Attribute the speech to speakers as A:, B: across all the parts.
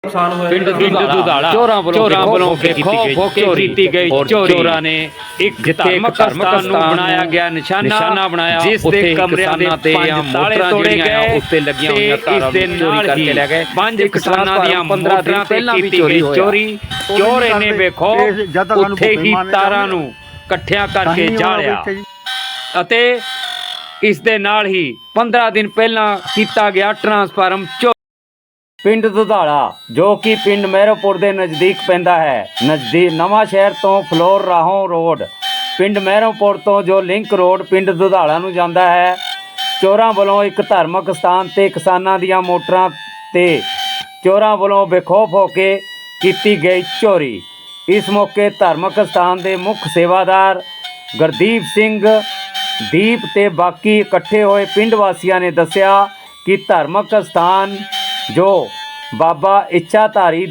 A: ਨੁਕਸਾਨ ਹੋਇਆ
B: ਪਿੰਡ ਦੁਧਾਲਾ ਚੋਰਾਂ ਵੱਲੋਂ ਵੇਖੋ ਕੀਤੀ ਗਈ ਚੋਰਾਂ ਨੇ ਇੱਕ ਧਾਰਮਿਕ ਸਥਾਨ ਨੂੰ ਬਣਾਇਆ ਗਿਆ ਨਿਸ਼ਾਨਾ ਬਣਾਇਆ, ਜਿਸ ਦੇ ਕਮਰਿਆਂ ਦੇ ਤੇ ਤਾਲੇ ਤੋੜੇ ਗਏ, ਉੱਤੇ ਲੱਗੀਆਂ ਹੋਈਆਂ ਤਾਰਾਂ ਨੂੰ ਚੋਰੀ ਕਰਕੇ ਲੈ ਗਏ। 5 ਕਿਸਾਨਾਂ ਦੀਆਂ 15 ਦਿਨ ਪਹਿਲਾਂ ਵੀ ਚੋਰੀ ਚੋਰ ਇਹਨੇ ਵੇਖੋ ਉੱਥੇ ਹੀ ਤਾਰਾਂ ਨੂੰ ਇਕੱਠਿਆਂ ਕਰਕੇ ਜਾਲਿਆ ਅਤੇ ਇਸ ਦੇ ਨਾਲ ਹੀ 15 ਦਿਨ ਪਹਿਲਾਂ ਕੀਤਾ ਗਿਆ ਟਰਾਂਸਫਾਰਮ ਚੋਰੀ। ਪਿੰਡ ਦੁਧਾਲਾ ਜੋ ਕਿ ਪਿੰਡ ਮਹਿਰੋਪੁਰ ਦੇ ਨਜ਼ਦੀਕ ਪੈਂਦਾ ਹੈ, ਨਜ਼ਦੀਕ ਨਵਾਂ ਸ਼ਹਿਰ ਤੋਂ ਫਲੋਰ ਰਾਹੋਂ ਰੋਡ, ਪਿੰਡ ਮਹਿਰੋਪੁਰ ਤੋਂ ਜੋ ਲਿੰਕ ਰੋਡ ਪਿੰਡ ਦੁਧਾਲਾ ਨੂੰ ਜਾਂਦਾ ਹੈ, ਚੋਰਾਂ ਵੱਲੋਂ ਇੱਕ ਧਾਰਮਿਕ ਸਥਾਨ ਤੇ ਕਿਸਾਨਾਂ ਦੀਆਂ ਮੋਟਰਾਂ ਤੇ ਚੋਰਾਂ ਵੱਲੋਂ ਬੇਖੌਫ ਹੋ ਕੇ ਕੀਤੀ ਗਈ ਚੋਰੀ। ਇਸ ਮੌਕੇ ਧਾਰਮਿਕ ਸਥਾਨ ਦੇ ਮੁੱਖ ਸੇਵਾਦਾਰ ਗੁਰਦੀਪ ਸਿੰਘ ਦੀਪ ਤੇ ਬਾਕੀ ਇਕੱਠੇ ਹੋਏ ਪਿੰਡ ਵਾਸੀਆਂ ਨੇ ਦੱਸਿਆ ਕਿ ਧਾਰਮਿਕ ਸਥਾਨ ਜੋ ਬਾਬਾ ਇੱਛਾਧਾਰੀ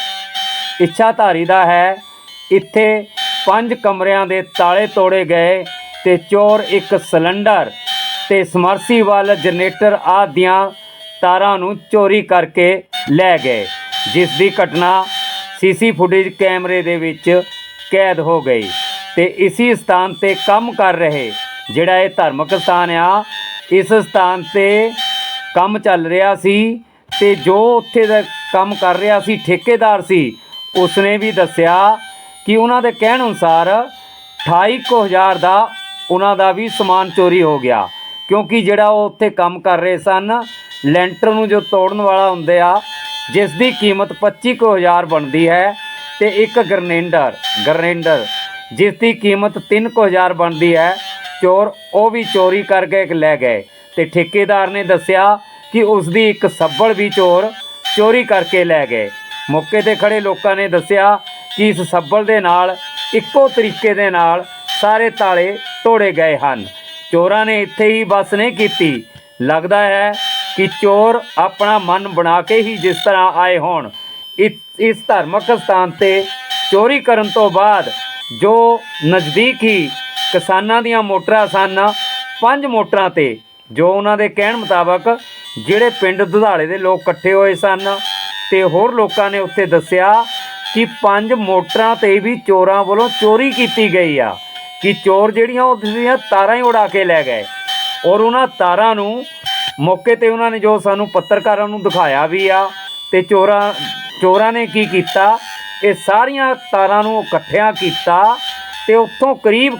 B: ਦਾ ਹੈ, ਇੱਥੇ 5 ਕਮਰਿਆਂ ਦੇ ਤਾਲੇ ਤੋੜੇ ਗਏ ਤੇ ਚੋਰ ਇੱਕ ਸਿਲੰਡਰ ਤੇ ਸਮਰਸੀਬਲ ਜਨਰੇਟਰ ਆਦਿ ਦੀਆਂ ਤਾਰਾਂ ਨੂੰ ਚੋਰੀ ਕਰਕੇ ਲੈ ਗਏ, ਜਿਸ ਦੀ ਘਟਨਾ ਸੀਸੀ ਫੁਟੇਜ ਕੈਮਰੇ ਦੇ ਵਿੱਚ ਕੈਦ ਹੋ ਗਈ। ਤੇ ਇसी ਸਥਾਨ ਤੇ ਕੰਮ ਕਰ ਰਹੇ ਜਿਹੜਾ ਇਹ ਧਾਰਮਿਕ ਸਥਾਨ ਆ, ਇਸ ਸਥਾਨ ਤੇ ਕੰਮ ਚੱਲ ਰਿਹਾ ਸੀ ਤੇ ਜੋ ਉੱਥੇ ਦਾ ਕੰਮ ਕਰ ਰਿਹਾ ਸੀ ਠੇਕੇਦਾਰ ਸੀ, ਉਸਨੇ ਵੀ ਦੱਸਿਆ ਕਿ ਉਹਨਾਂ ਦੇ ਕਹਿਣ ਅਨੁਸਾਰ 28,000 ਦਾ ਉਹਨਾਂ ਦਾ ਵੀ ਸਮਾਨ ਚੋਰੀ ਹੋ ਗਿਆ, ਕਿਉਂਕਿ ਜਿਹੜਾ ਉਹ ਉੱਥੇ ਕੰਮ ਕਰ ਰਹੇ ਸਨ ਲੈਂਟਰ ਨੂੰ ਜੋ ਤੋੜਨ ਵਾਲਾ ਹੁੰਦੇ ਆ, ਜਿਸ ਦੀ ਕੀਮਤ 25,000 ਬਣਦੀ ਹੈ, ਤੇ ਇੱਕ ਗਰਨੇਡਰ ਜਿਸ ਦੀ ਕੀਮਤ 3,000 ਬਣਦੀ ਹੈ, ਚੋਰ ਉਹ ਵੀ ਚੋਰੀ ਕਰਕੇ ਲੈ ਗਏ। ਤੇ ਠੇਕੇਦਾਰ ਨੇ ਦੱਸਿਆ ਕਿ ਉਸ ਦੀ ਇੱਕ ਸੱਬਲ ਵੀ ਚੋਰ ਚੋਰੀ ਕਰਕੇ ਲੈ ਗਏ। ਮੌਕੇ 'ਤੇ ਖੜੇ ਲੋਕਾਂ ਨੇ ਦੱਸਿਆ ਕਿ ਇਸ ਸੱਬਲ ਦੇ ਨਾਲ ਇੱਕੋ ਤਰੀਕੇ ਦੇ ਨਾਲ ਸਾਰੇ ਤਾਲੇ ਤੋੜੇ ਗਏ ਹਨ। ਚੋਰਾਂ ਨੇ ਇੱਥੇ ਹੀ ਬਸ ਨਹੀਂ ਕੀਤੀ, ਲੱਗਦਾ ਹੈ ਕਿ ਚੋਰ ਆਪਣਾ ਮਨ ਬਣਾ ਕੇ ਹੀ ਜਿਸ ਤਰ੍ਹਾਂ ਆਏ ਹੋਣ। ਇਸ ਧਾਰਮਿਕ ਸਥਾਨ 'ਤੇ ਚੋਰੀ ਕਰਨ ਤੋਂ ਬਾਅਦ ਜੋ ਨਜ਼ਦੀਕ ਹੀ ਕਿਸਾਨਾਂ ਦੀਆਂ ਮੋਟਰਾਂ ਸਨ, 5 ਮੋਟਰਾਂ 'ਤੇ ਜੋ ਉਹਨਾਂ ਦੇ ਕਹਿਣ ਮੁਤਾਬਕ ਜਿਹੜੇ ਪਿੰਡ ਦੁਧਾਲੇ ਦੇ ਲੋਕ ਇਕੱਠੇ ਹੋਏ ਸਨ ਤੇ ਹੋਰ ਲੋਕਾਂ ਨੇ ਉੱਥੇ ਦੱਸਿਆ ਕਿ 5 ਮੋਟਰਾਂ 'ਤੇ ਵੀ ਚੋਰਾਂ ਵੱਲੋਂ ਚੋਰੀ ਕੀਤੀ ਗਈ ਆ, ਕਿ ਚੋਰ ਜਿਹੜੀਆਂ ਉਹਦੀਆਂ ਤਾਰਾਂ ਹੀ ਉਡਾ ਕੇ ਲੈ ਗਏ। ਔਰ ਉਹਨਾਂ ਤਾਰਾਂ ਨੂੰ ਮੌਕੇ 'ਤੇ ਉਹਨਾਂ ਨੇ ਜੋ ਸਾਨੂੰ ਪੱਤਰਕਾਰਾਂ ਨੂੰ ਦਿਖਾਇਆ ਵੀ ਆ। ਤੇ ਚੋਰਾਂ ਨੇ ਕੀ ਕੀਤਾ, ਇਹ ਸਾਰੀਆਂ ਤਾਰਾਂ ਨੂੰ ਇਕੱਠਿਆਂ ਕੀਤਾ ਤੇ ਉੱਥੋਂ ਕਰੀਬ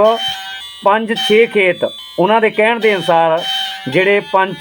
B: 5-6 ਖੇਤ, ਉਹਨਾਂ ਦੇ ਕਹਿਣ ਦੇ ਅਨੁਸਾਰ ਜਿਹੜੇ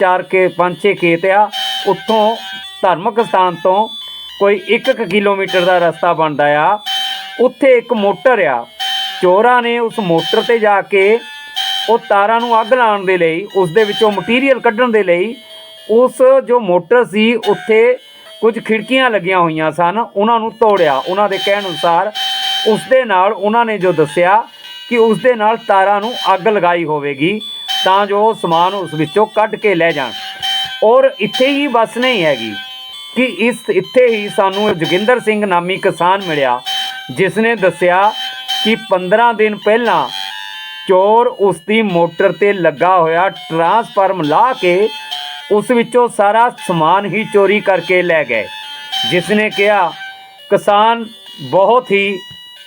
B: 5-6 ਖੇਤ ਆ, ਉੱਥੋਂ ਧਾਰਮਿਕ ਸਥਾਨ ਤੋਂ ਕੋਈ 1 ਕਿਲੋਮੀਟਰ ਦਾ ਰਸਤਾ ਬਣਦਾ ਆ, ਉੱਥੇ ਇੱਕ ਮੋਟਰ ਆ। ਚੋਰਾਂ ਨੇ ਉਸ ਮੋਟਰ 'ਤੇ ਜਾ ਕੇ ਉਹ ਤਾਰਾਂ ਨੂੰ ਅੱਗ ਲਾਉਣ ਦੇ ਲਈ, ਉਸ ਦੇ ਵਿੱਚੋਂ ਮਟੀਰੀਅਲ ਕੱਢਣ ਦੇ ਲਈ, ਉਸ ਜੋ ਮੋਟਰ ਸੀ ਉੱਥੇ ਕੁਝ ਖਿੜਕੀਆਂ ਲੱਗੀਆਂ ਹੋਈਆਂ ਸਨ, ਉਹਨਾਂ ਨੂੰ ਤੋੜਿਆ। ਉਹਨਾਂ ਦੇ ਕਹਿਣ ਅਨੁਸਾਰ ਉਸ ਦੇ ਨਾਲ ਉਹਨਾਂ ਨੇ ਜੋ ਦੱਸਿਆ ਕਿ ਉਸ ਦੇ ਨਾਲ ਤਾਰਾਂ ਨੂੰ ਅੱਗ ਲਗਾਈ ਹੋਵੇਗੀ ਤਾਂ ਜੋ ਸਮਾਨ ਉਸ ਵਿੱਚੋਂ ਕੱਢ ਕੇ ਲੈ ਜਾਣ। ਔਰ ਇੱਥੇ ਹੀ ਬਸ ਨਹੀਂ ਹੈਗੀ ਕਿ ਇੱਥੇ ਹੀ ਸਾਨੂੰ ਜੋਗਿੰਦਰ ਸਿੰਘ ਨਾਮੀ ਕਿਸਾਨ ਮਿਲਿਆ, ਜਿਸ ਨੇ ਦੱਸਿਆ ਕਿ 15 ਦਿਨ ਪਹਿਲਾਂ ਚੋਰ ਉਸ ਦੀ ਮੋਟਰ 'ਤੇ ਲੱਗਾ ਹੋਇਆ ਟਰਾਂਸਫਾਰਮ ਲਾ ਕੇ ਉਸ ਵਿੱਚੋਂ ਸਾਰਾ ਸਮਾਨ ਹੀ ਚੋਰੀ ਕਰਕੇ ਲੈ ਗਏ। ਜਿਸ ਨੇ ਕਿਹਾ ਕਿਸਾਨ ਬਹੁਤ ਹੀ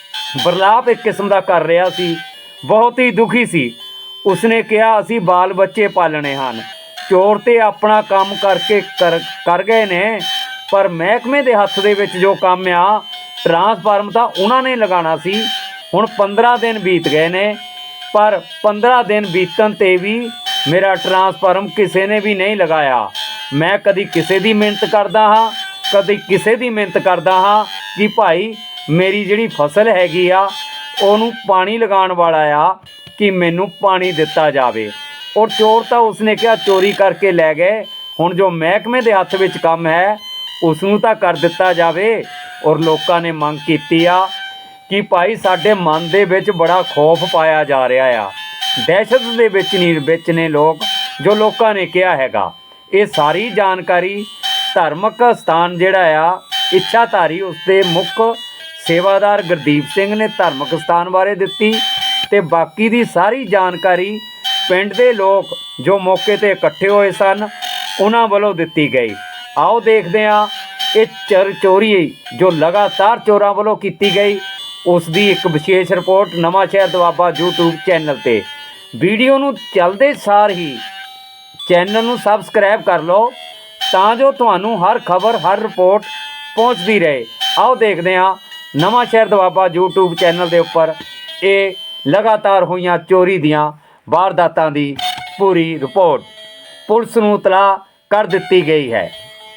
B: ਬਰਲਾਪ ਇੱਕ ਕਿਸਮ ਦਾ ਕਰ ਰਿਹਾ ਸੀ, ਬਹੁਤ ਹੀ ਦੁਖੀ ਸੀ। ਉਸਨੇ ਕਿਹਾ ਅਸੀਂ ਬਾਲ ਬੱਚੇ ਪਾਲਣੇ ਹਨ, ਚੋਰ ਤੇ ਆਪਣਾ ਕੰਮ ਕਰਕੇ ਕਰ ਗਏ ਨੇ, ਪਰ ਮਹਿਕਮੇ ਦੇ ਹੱਥ ਦੇ ਵਿੱਚ ਜੋ ਕੰਮ ਆ ਟਰਾਂਸਫਾਰਮ ਤਾਂ ਉਹਨਾਂ ਨੇ ਲਗਾਉਣਾ ਸੀ। ਹੁਣ 15 ਦਿਨ ਬੀਤ ਗਏ ਨੇ, ਪਰ 15 ਦਿਨ ਬੀਤਣ 'ਤੇ ਵੀ ਮੇਰਾ ਟਰਾਂਸਫਾਰਮ ਕਿਸੇ ਨੇ ਵੀ ਨਹੀਂ ਲਗਾਇਆ। ਮੈਂ ਕਦੀ ਕਿਸੇ ਦੀ ਮਿਹਨਤ ਕਰਦਾ ਹਾਂ, ਕਦੀ ਕਿਸੇ ਦੀ ਮਿਹਨਤ ਕਰਦਾ ਹਾਂ ਕਿ ਭਾਈ ਮੇਰੀ ਜਿਹੜੀ ਫਸਲ ਹੈਗੀ ਆ ਉਹਨੂੰ ਪਾਣੀ ਲਗਾਉਣ ਵਾਲਾ ਆ, ਕਿ ਮੈਨੂੰ ਪਾਣੀ ਦਿੱਤਾ ਜਾਵੇ। ਔਰ ਚੋਰ ਤਾਂ ਉਸਨੇ ਕਿਹਾ ਚੋਰੀ ਕਰਕੇ ਲੈ ਗਏ, ਹੁਣ ਜੋ ਮਹਿਕਮੇ ਦੇ ਹੱਥ ਵਿੱਚ ਕੰਮ ਹੈ ਉਸ ਨੂੰ ਤਾਂ ਕਰ ਦਿੱਤਾ ਜਾਵੇ। ਔਰ ਲੋਕਾਂ ਨੇ ਮੰਗ ਕੀਤੀ ਆ ਕਿ ਭਾਈ ਸਾਡੇ ਮਨ ਦੇ ਵਿੱਚ ਬੜਾ ਖੌਫ ਪਾਇਆ ਜਾ ਰਿਹਾ ਆ, ਦਹਿਸ਼ਤ ਦੇ ਵਿੱਚ ਨੇ ਲੋਕ, ਜੋ ਲੋਕਾਂ ਨੇ ਕਿਹਾ ਹੈਗਾ। ਇਹ ਸਾਰੀ ਜਾਣਕਾਰੀ ਧਾਰਮਿਕ ਸਥਾਨ ਜਿਹੜਾ ਆ ਇੱਛਾਧਾਰੀ, ਉਸ ਦੇ ਮੁੱਖ ਸੇਵਾਦਾਰ ਗੁਰਦੀਪ ਸਿੰਘ ਨੇ ਧਾਰਮਿਕ ਸਥਾਨ ਬਾਰੇ ਦਿੱਤੀ ਤੇ ਬਾਕੀ ਦੀ ਸਾਰੀ ਜਾਣਕਾਰੀ ਪਿੰਡ ਦੇ ਲੋਕ ਜੋ ਮੌਕੇ 'ਤੇ ਇਕੱਠੇ ਹੋਏ ਸਨ ਉਹਨਾਂ ਵੱਲੋਂ ਦਿੱਤੀ ਗਈ। ਆਓ ਦੇਖਦੇ ਹਾਂ ਇਹ ਚੋਰੀ ਜੋ ਲਗਾਤਾਰ ਚੋਰਾਂ ਵੱਲੋਂ ਕੀਤੀ ਗਈ ਉਸ ਦੀ ਇੱਕ ਵਿਸ਼ੇਸ਼ report Nawan Shahr Doaba YouTube channel ਤੇ। ਵੀਡੀਓ ਨੂੰ ਚੱਲਦੇ ਸਾਰ ਹੀ ਚੈਨਲ ਨੂੰ ਸਬਸਕ੍ਰਾਈਬ ਕਰ ਲਓ ਤਾਂ ਜੋ ਤੁਹਾਨੂੰ ਹਰ ਖਬਰ ਹਰ ਰਿਪੋਰਟ ਪਹੁੰਚਦੀ ਰਹੇ। ਆਓ ਦੇਖਦੇ ਹਾਂ ਨਵਾਂ ਸ਼ਹਿਰ ਦੁਆਬਾ YouTube ਚੈਨਲ ਦੇ ਉੱਪਰ ਇਹ ਲਗਾਤਾਰ ਹੋਈਆਂ ਚੋਰੀ ਦੀਆਂ ਵਾਰਦਾਤਾਂ ਦੀ ਪੂਰੀ ਰਿਪੋਰਟ। ਪੁਲਿਸ ਨੂੰ ਇਤਲਾਹ ਕਰ ਦਿੱਤੀ ਗਈ ਹੈ।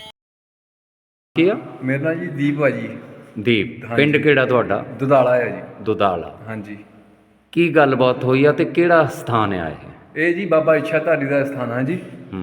B: ਕੀ ਆ?
A: ਮੇਰਾ ਨਾਂ ਜੀ ਦੀਪ ਆ ਜੀ।
B: ਦੀਪ, ਪਿੰਡ ਕਿਹੜਾ ਤੁਹਾਡਾ?
A: ਦੁਧਾਲਾ ਹੈ ਜੀ।
B: ਦੁਧਾਲਾ।
A: ਹਾਂਜੀ।
B: ਕੀ ਗੱਲਬਾਤ ਹੋਈ ਆ ਤੇ ਕਿਹੜਾ ਸਥਾਨ ਆ
A: ਇਹ ਜੀ ਬਾਬਾ ਇੱਛਾਧਾਰੀ ਦਾ ਸਥਾਨ ਆ ਜੀ।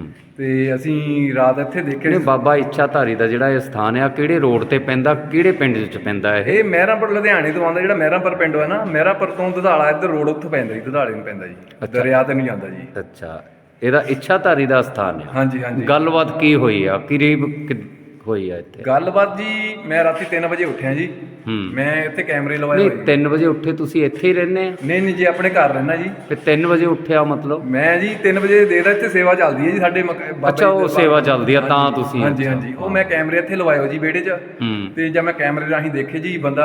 A: ਤੇ ਅਸੀਂ ਰਾਤ ਇੱਥੇ ਦੇਖੇ।
B: ਨਹੀਂ, ਬਾਬਾ ਇੱਛਾਧਾਰੀ ਦਾ ਜਿਹੜਾ ਇਹ ਸਥਾਨ ਆ ਕਿਹੜੇ ਰੋਡ ਤੇ ਪੈਂਦਾ, ਕਿਹੜੇ ਪਿੰਡ ਵਿੱਚ ਪੈਂਦਾ
A: ਇਹ ਮਹਿਰਾਂਪੁਰ ਲੁਧਿਆਣੇ ਤੋਂ ਆਉਂਦਾ। ਜਿਹੜਾ ਮਹਿਰਾਂਪੁਰ ਪਿੰਡ ਹੈ ਨਾ, ਮਹਿਰਾਂਪੁਰ ਤੋਂ ਦੁਧਾਲਾ ਇੱਧਰ ਰੋਡ ਉੱਥੇ ਪੈਂਦਾ ਜੀ, ਦੁਧਾਲੇ ਨੂੰ ਪੈਂਦਾ ਜੀ, ਦਰਿਆ ਤੇ ਨਹੀਂ ਜਾਂਦਾ ਜੀ।
B: ਅੱਛਾ, ਇਹਦਾ ਇੱਛਾਧਾਰੀ ਦਾ ਸਥਾਨ ਆ।
A: ਹਾਂਜੀ ਹਾਂਜੀ।
B: ਗੱਲਬਾਤ ਕੀ ਹੋਈ ਆ, ਕਰੀਬ ਹੋਈ ਆ ਇੱਥੇ
A: ਗੱਲਬਾਤ ਜੀ? ਮੈਂ ਰਾਤੀ 3 ਵਜੇ ਉੱਠਿਆ ਜੀ। ਮੈਂ ਇੱਥੇ ਕੈਮਰੇ ਲਵਾਏ ਹੋਏ।
B: 3 ਵਜੇ ਉੱਠੇ ਤੁਸੀਂ ਇੱਥੇ ਹੀ ਰਹਿੰਦੇ ਆ?
A: ਨਹੀਂ ਜੀ, ਆਪਣੇ ਘਰ ਰਹਿਣਾ ਜੀ।
B: ਤੇ 3 ਵਜੇ ਉੱਠਿਆ ਮਤਲਬ?
A: ਮੈਂ ਜੀ 3 ਵਜੇ ਦੇਰ ਇੱਥੇ ਸੇਵਾ ਚੱਲਦੀ ਹੈ ਜੀ ਸਾਡੇ
B: ਅੱਛਾ, ਉਹ ਸੇਵਾ ਚੱਲਦੀ ਆ ਤਾਂ ਤੁਸੀਂ?
A: ਹਾਂਜੀ ਹਾਂਜੀ। ਉਹ ਮੈਂ ਕੈਮਰੇ ਇੱਥੇ ਲਵਾਏ ਹੋ ਜੀ ਵਿਹੜੇ 'ਚ। ਤੇ ਜਦ ਮੈਂ ਕੈਮਰੇ ਰਾਹੀਂ ਦੇਖੇ ਜੀ ਬੰਦਾ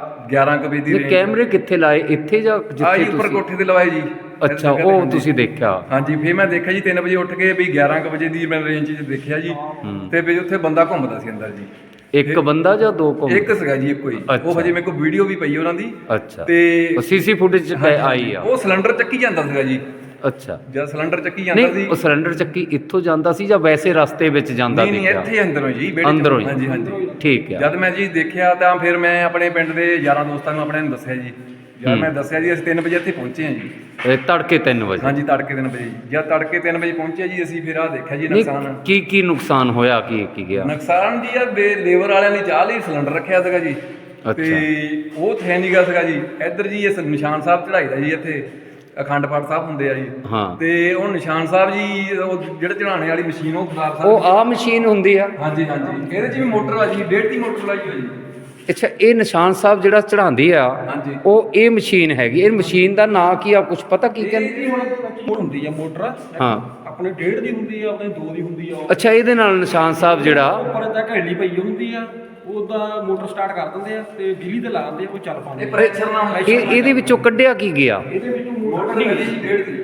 A: 11 ਕੁ ਵਜੇ ਦੀ
B: ਕੈਮਰੇ ਕਿੱਥੇ ਲਾਏ? ਇੱਥੇ ਜਾਂ
A: ਜਿੱਥੇ ਉੱਪਰ ਕੋਠੇ ਤੇ ਲਵਾਏ ਜੀ।
B: ਅੱਛਾ, ਉਹ ਤੁਸੀਂ ਦੇਖਿਆ?
A: ਹਾਂਜੀ। ਫਿਰ ਮੈਂ ਦੇਖਿਆ ਜੀ 3 ਵਜੇ ਉੱਠ ਕੇ ਵੀ 11 ਕੁ ਵਜੇ ਦੀ ਮੈਂ ਰੇਂਜ 'ਚ ਦੇਖਿਆ ਜੀ। ਤੇ ਵੀ ਉੱਥੇ ਬੰਦਾ ਘੁੰਮਦਾ ਸੀ ਅੰਦਰ ਜੀ।
B: ਇੱਕ ਬੰਦਾ ਜਾਂ ਦੋ ਘੁੰਮ?
A: ਇੱਕ ਸੀਗਾ ਜੀ, ਇੱਕੋ ਹੀ। ਉਹ ਹਜੇ ਮੇਰੇ ਕੋਲ ਵੀਡੀਓ ਵੀ ਪਈ ਉਹਨਾਂ ਦੀ।
B: ਅੱਛਾ।
A: ਤੇ
B: ਸੀਸੀ ਫੁਟੇਜ ਆਈ ਆ? ਉਹ
A: ਸਿਲੰਡਰ ਚੱਕੀ ਜਾਂਦਾ ਸੀਗਾ ਜੀ।
B: ਅੱਛਾ।
A: ਜਦ ਸਿਲੰਡਰ ਚੱਕੀ ਜਾਂਦਾ ਸੀ।
B: ਉਹ ਸਿਲੰਡਰ ਚੱਕੀ ਇੱਥੋਂ ਜਾਂਦਾ ਸੀ ਜਾਂ ਵੈਸੇ ਰਸਤੇ ਵਿੱਚ ਜਾਂਦਾ?
A: ਨਹੀਂ, ਇੱਥੇ ਅੰਦਰੋਂ ਜੀ,
B: ਅੰਦਰੋਂ ਹੀ?
A: ਹਾਂਜੀ ਹਾਂਜੀ।
B: ਠੀਕ ਹੈ।
A: ਜਦ ਮੈਂ ਜੀ ਦੇਖਿਆ ਤਾਂ ਫਿਰ ਮੈਂ ਆਪਣੇ ਪਿੰਡ ਦੇ ਯਾਰਾਂ ਦੋਸਤਾਂ ਨੂੰ ਆਪਣੇ ਨੂੰ ਦੱਸਿਆ ਜੀ। ਜਦ ਮੈਂ ਦੱਸਿਆ ਜੀ ਅਸੀਂ 3 ਵਜੇ ਇੱਥੇ ਪਹੁੰਚੇ ਹਾਂ ਜੀ।
B: ਤੜਕੇ 3 ਵਜੇ?
A: ਹਾਂਜੀ, ਤੜਕੇ 3 ਵਜੇ। ਜਦ ਤੜਕੇ 3 ਵਜੇ ਪਹੁੰਚਿਆ ਜੀ ਅਸੀਂ, ਫਿਰ ਆਹ ਦੇਖਿਆ ਜੀ ਨੁਕਸਾਨ।
B: ਕੀ ਨੁਕਸਾਨ ਹੋਇਆ? ਕੀ ਗਿਆ
A: ਨੁਕਸਾਨ ਜੀ? ਆ ਲੇਬਰ ਵਾਲਿਆਂ ਨੇ ਚਾਹ ਲਈ ਸਿਲੰਡਰ ਰੱਖਿਆ ਸੀਗਾ ਜੀ। ਤੇ ਉਹ ਥੈ ਨਹੀਂ ਗਾ ਸੀਗਾ ਜੀ। ਇੱਧਰ ਜੀ ਇਹ ਨਿਸ਼ਾਨ ਸਾਹਿਬ ਚੜਾਈ ਦਾ ਜੀ, ਇੱਥੇ ਅਖੰਡ ਪਾਠ ਸਾਹਿਬ ਹੁੰਦੇ ਆ ਜੀ। ਤੇ ਉਹ ਨਿਸ਼ਾਨ ਸਾਹਿਬ ਜੀ, ਉਹ ਜਿਹੜੇ ਚੜਾਉਣੇ ਵਾਲੀ ਮਸ਼ੀਨ, ਉਹ ਖਰਾਬ ਸਾਹਿਬ।
B: ਉਹ ਆ ਮਸ਼ੀਨ ਹੁੰਦੀ ਆ?
A: ਹਾਂਜੀ ਹਾਂਜੀ। ਇਹਦੇ 'ਚ ਵੀ ਮੋਟਰ ਆ ਜੀ, 1.5 ਦੀ ਮੋਟਰ ਲਾਈ ਹੋਈ ਜੀ।
B: ਅੱਛਾ, ਇਹ ਨਿਸ਼ਾਨ ਸਾਹਿਬ ਜਿਹੜਾ ਚੜਾਉਂਦੀ ਆ ਉਹ ਇਹ ਮਸ਼ੀਨ ਹੈਗੀ? ਇਹ ਮਸ਼ੀਨ ਦਾ ਨਾਂ ਕੀ ਆ, ਕੁਝ ਪਤਾ ਕੀ ਕਹਿੰਦੇ?
A: ਹੁਣ ਹੁੰਦੀ ਆ ਮੋਟਰ।
B: ਹਾਂ,
A: ਆਪਣੇ 1.5 ਦੀ ਹੁੰਦੀ ਆ, ਆਪਣੇ 2 ਦੀ ਹੁੰਦੀ ਆ।
B: ਅੱਛਾ, ਇਹਦੇ ਨਾਲ ਨਿਸ਼ਾਨ ਸਾਹਿਬ ਜਿਹੜਾ
A: ਉੱਪਰ ਤਾਂ ਘੈਲੀ ਪਈ ਹੁੰਦੀ ਆ, ਉਹਦਾ ਮੋਟਰ ਸਟਾਰਟ ਕਰ ਦਿੰਦੇ ਆ ਤੇ ਬਿਜਲੀ ਤੇ ਲਾ ਦਿੰਦੇ ਆ, ਉਹ ਚੱਲ ਪਾਉਂਦੇ। ਪ੍ਰੈਸ਼ਰ ਨਾਲ
B: ਇਹਦੇ ਵਿੱਚੋਂ ਕੱਢਿਆ ਕੀ ਗਿਆ?
A: ਇਹਦੇ ਵਿੱਚੋਂ ਮੋਟਰ ਨਹੀਂ ਗਈ ਜੀ, 1.5 ਦੀ।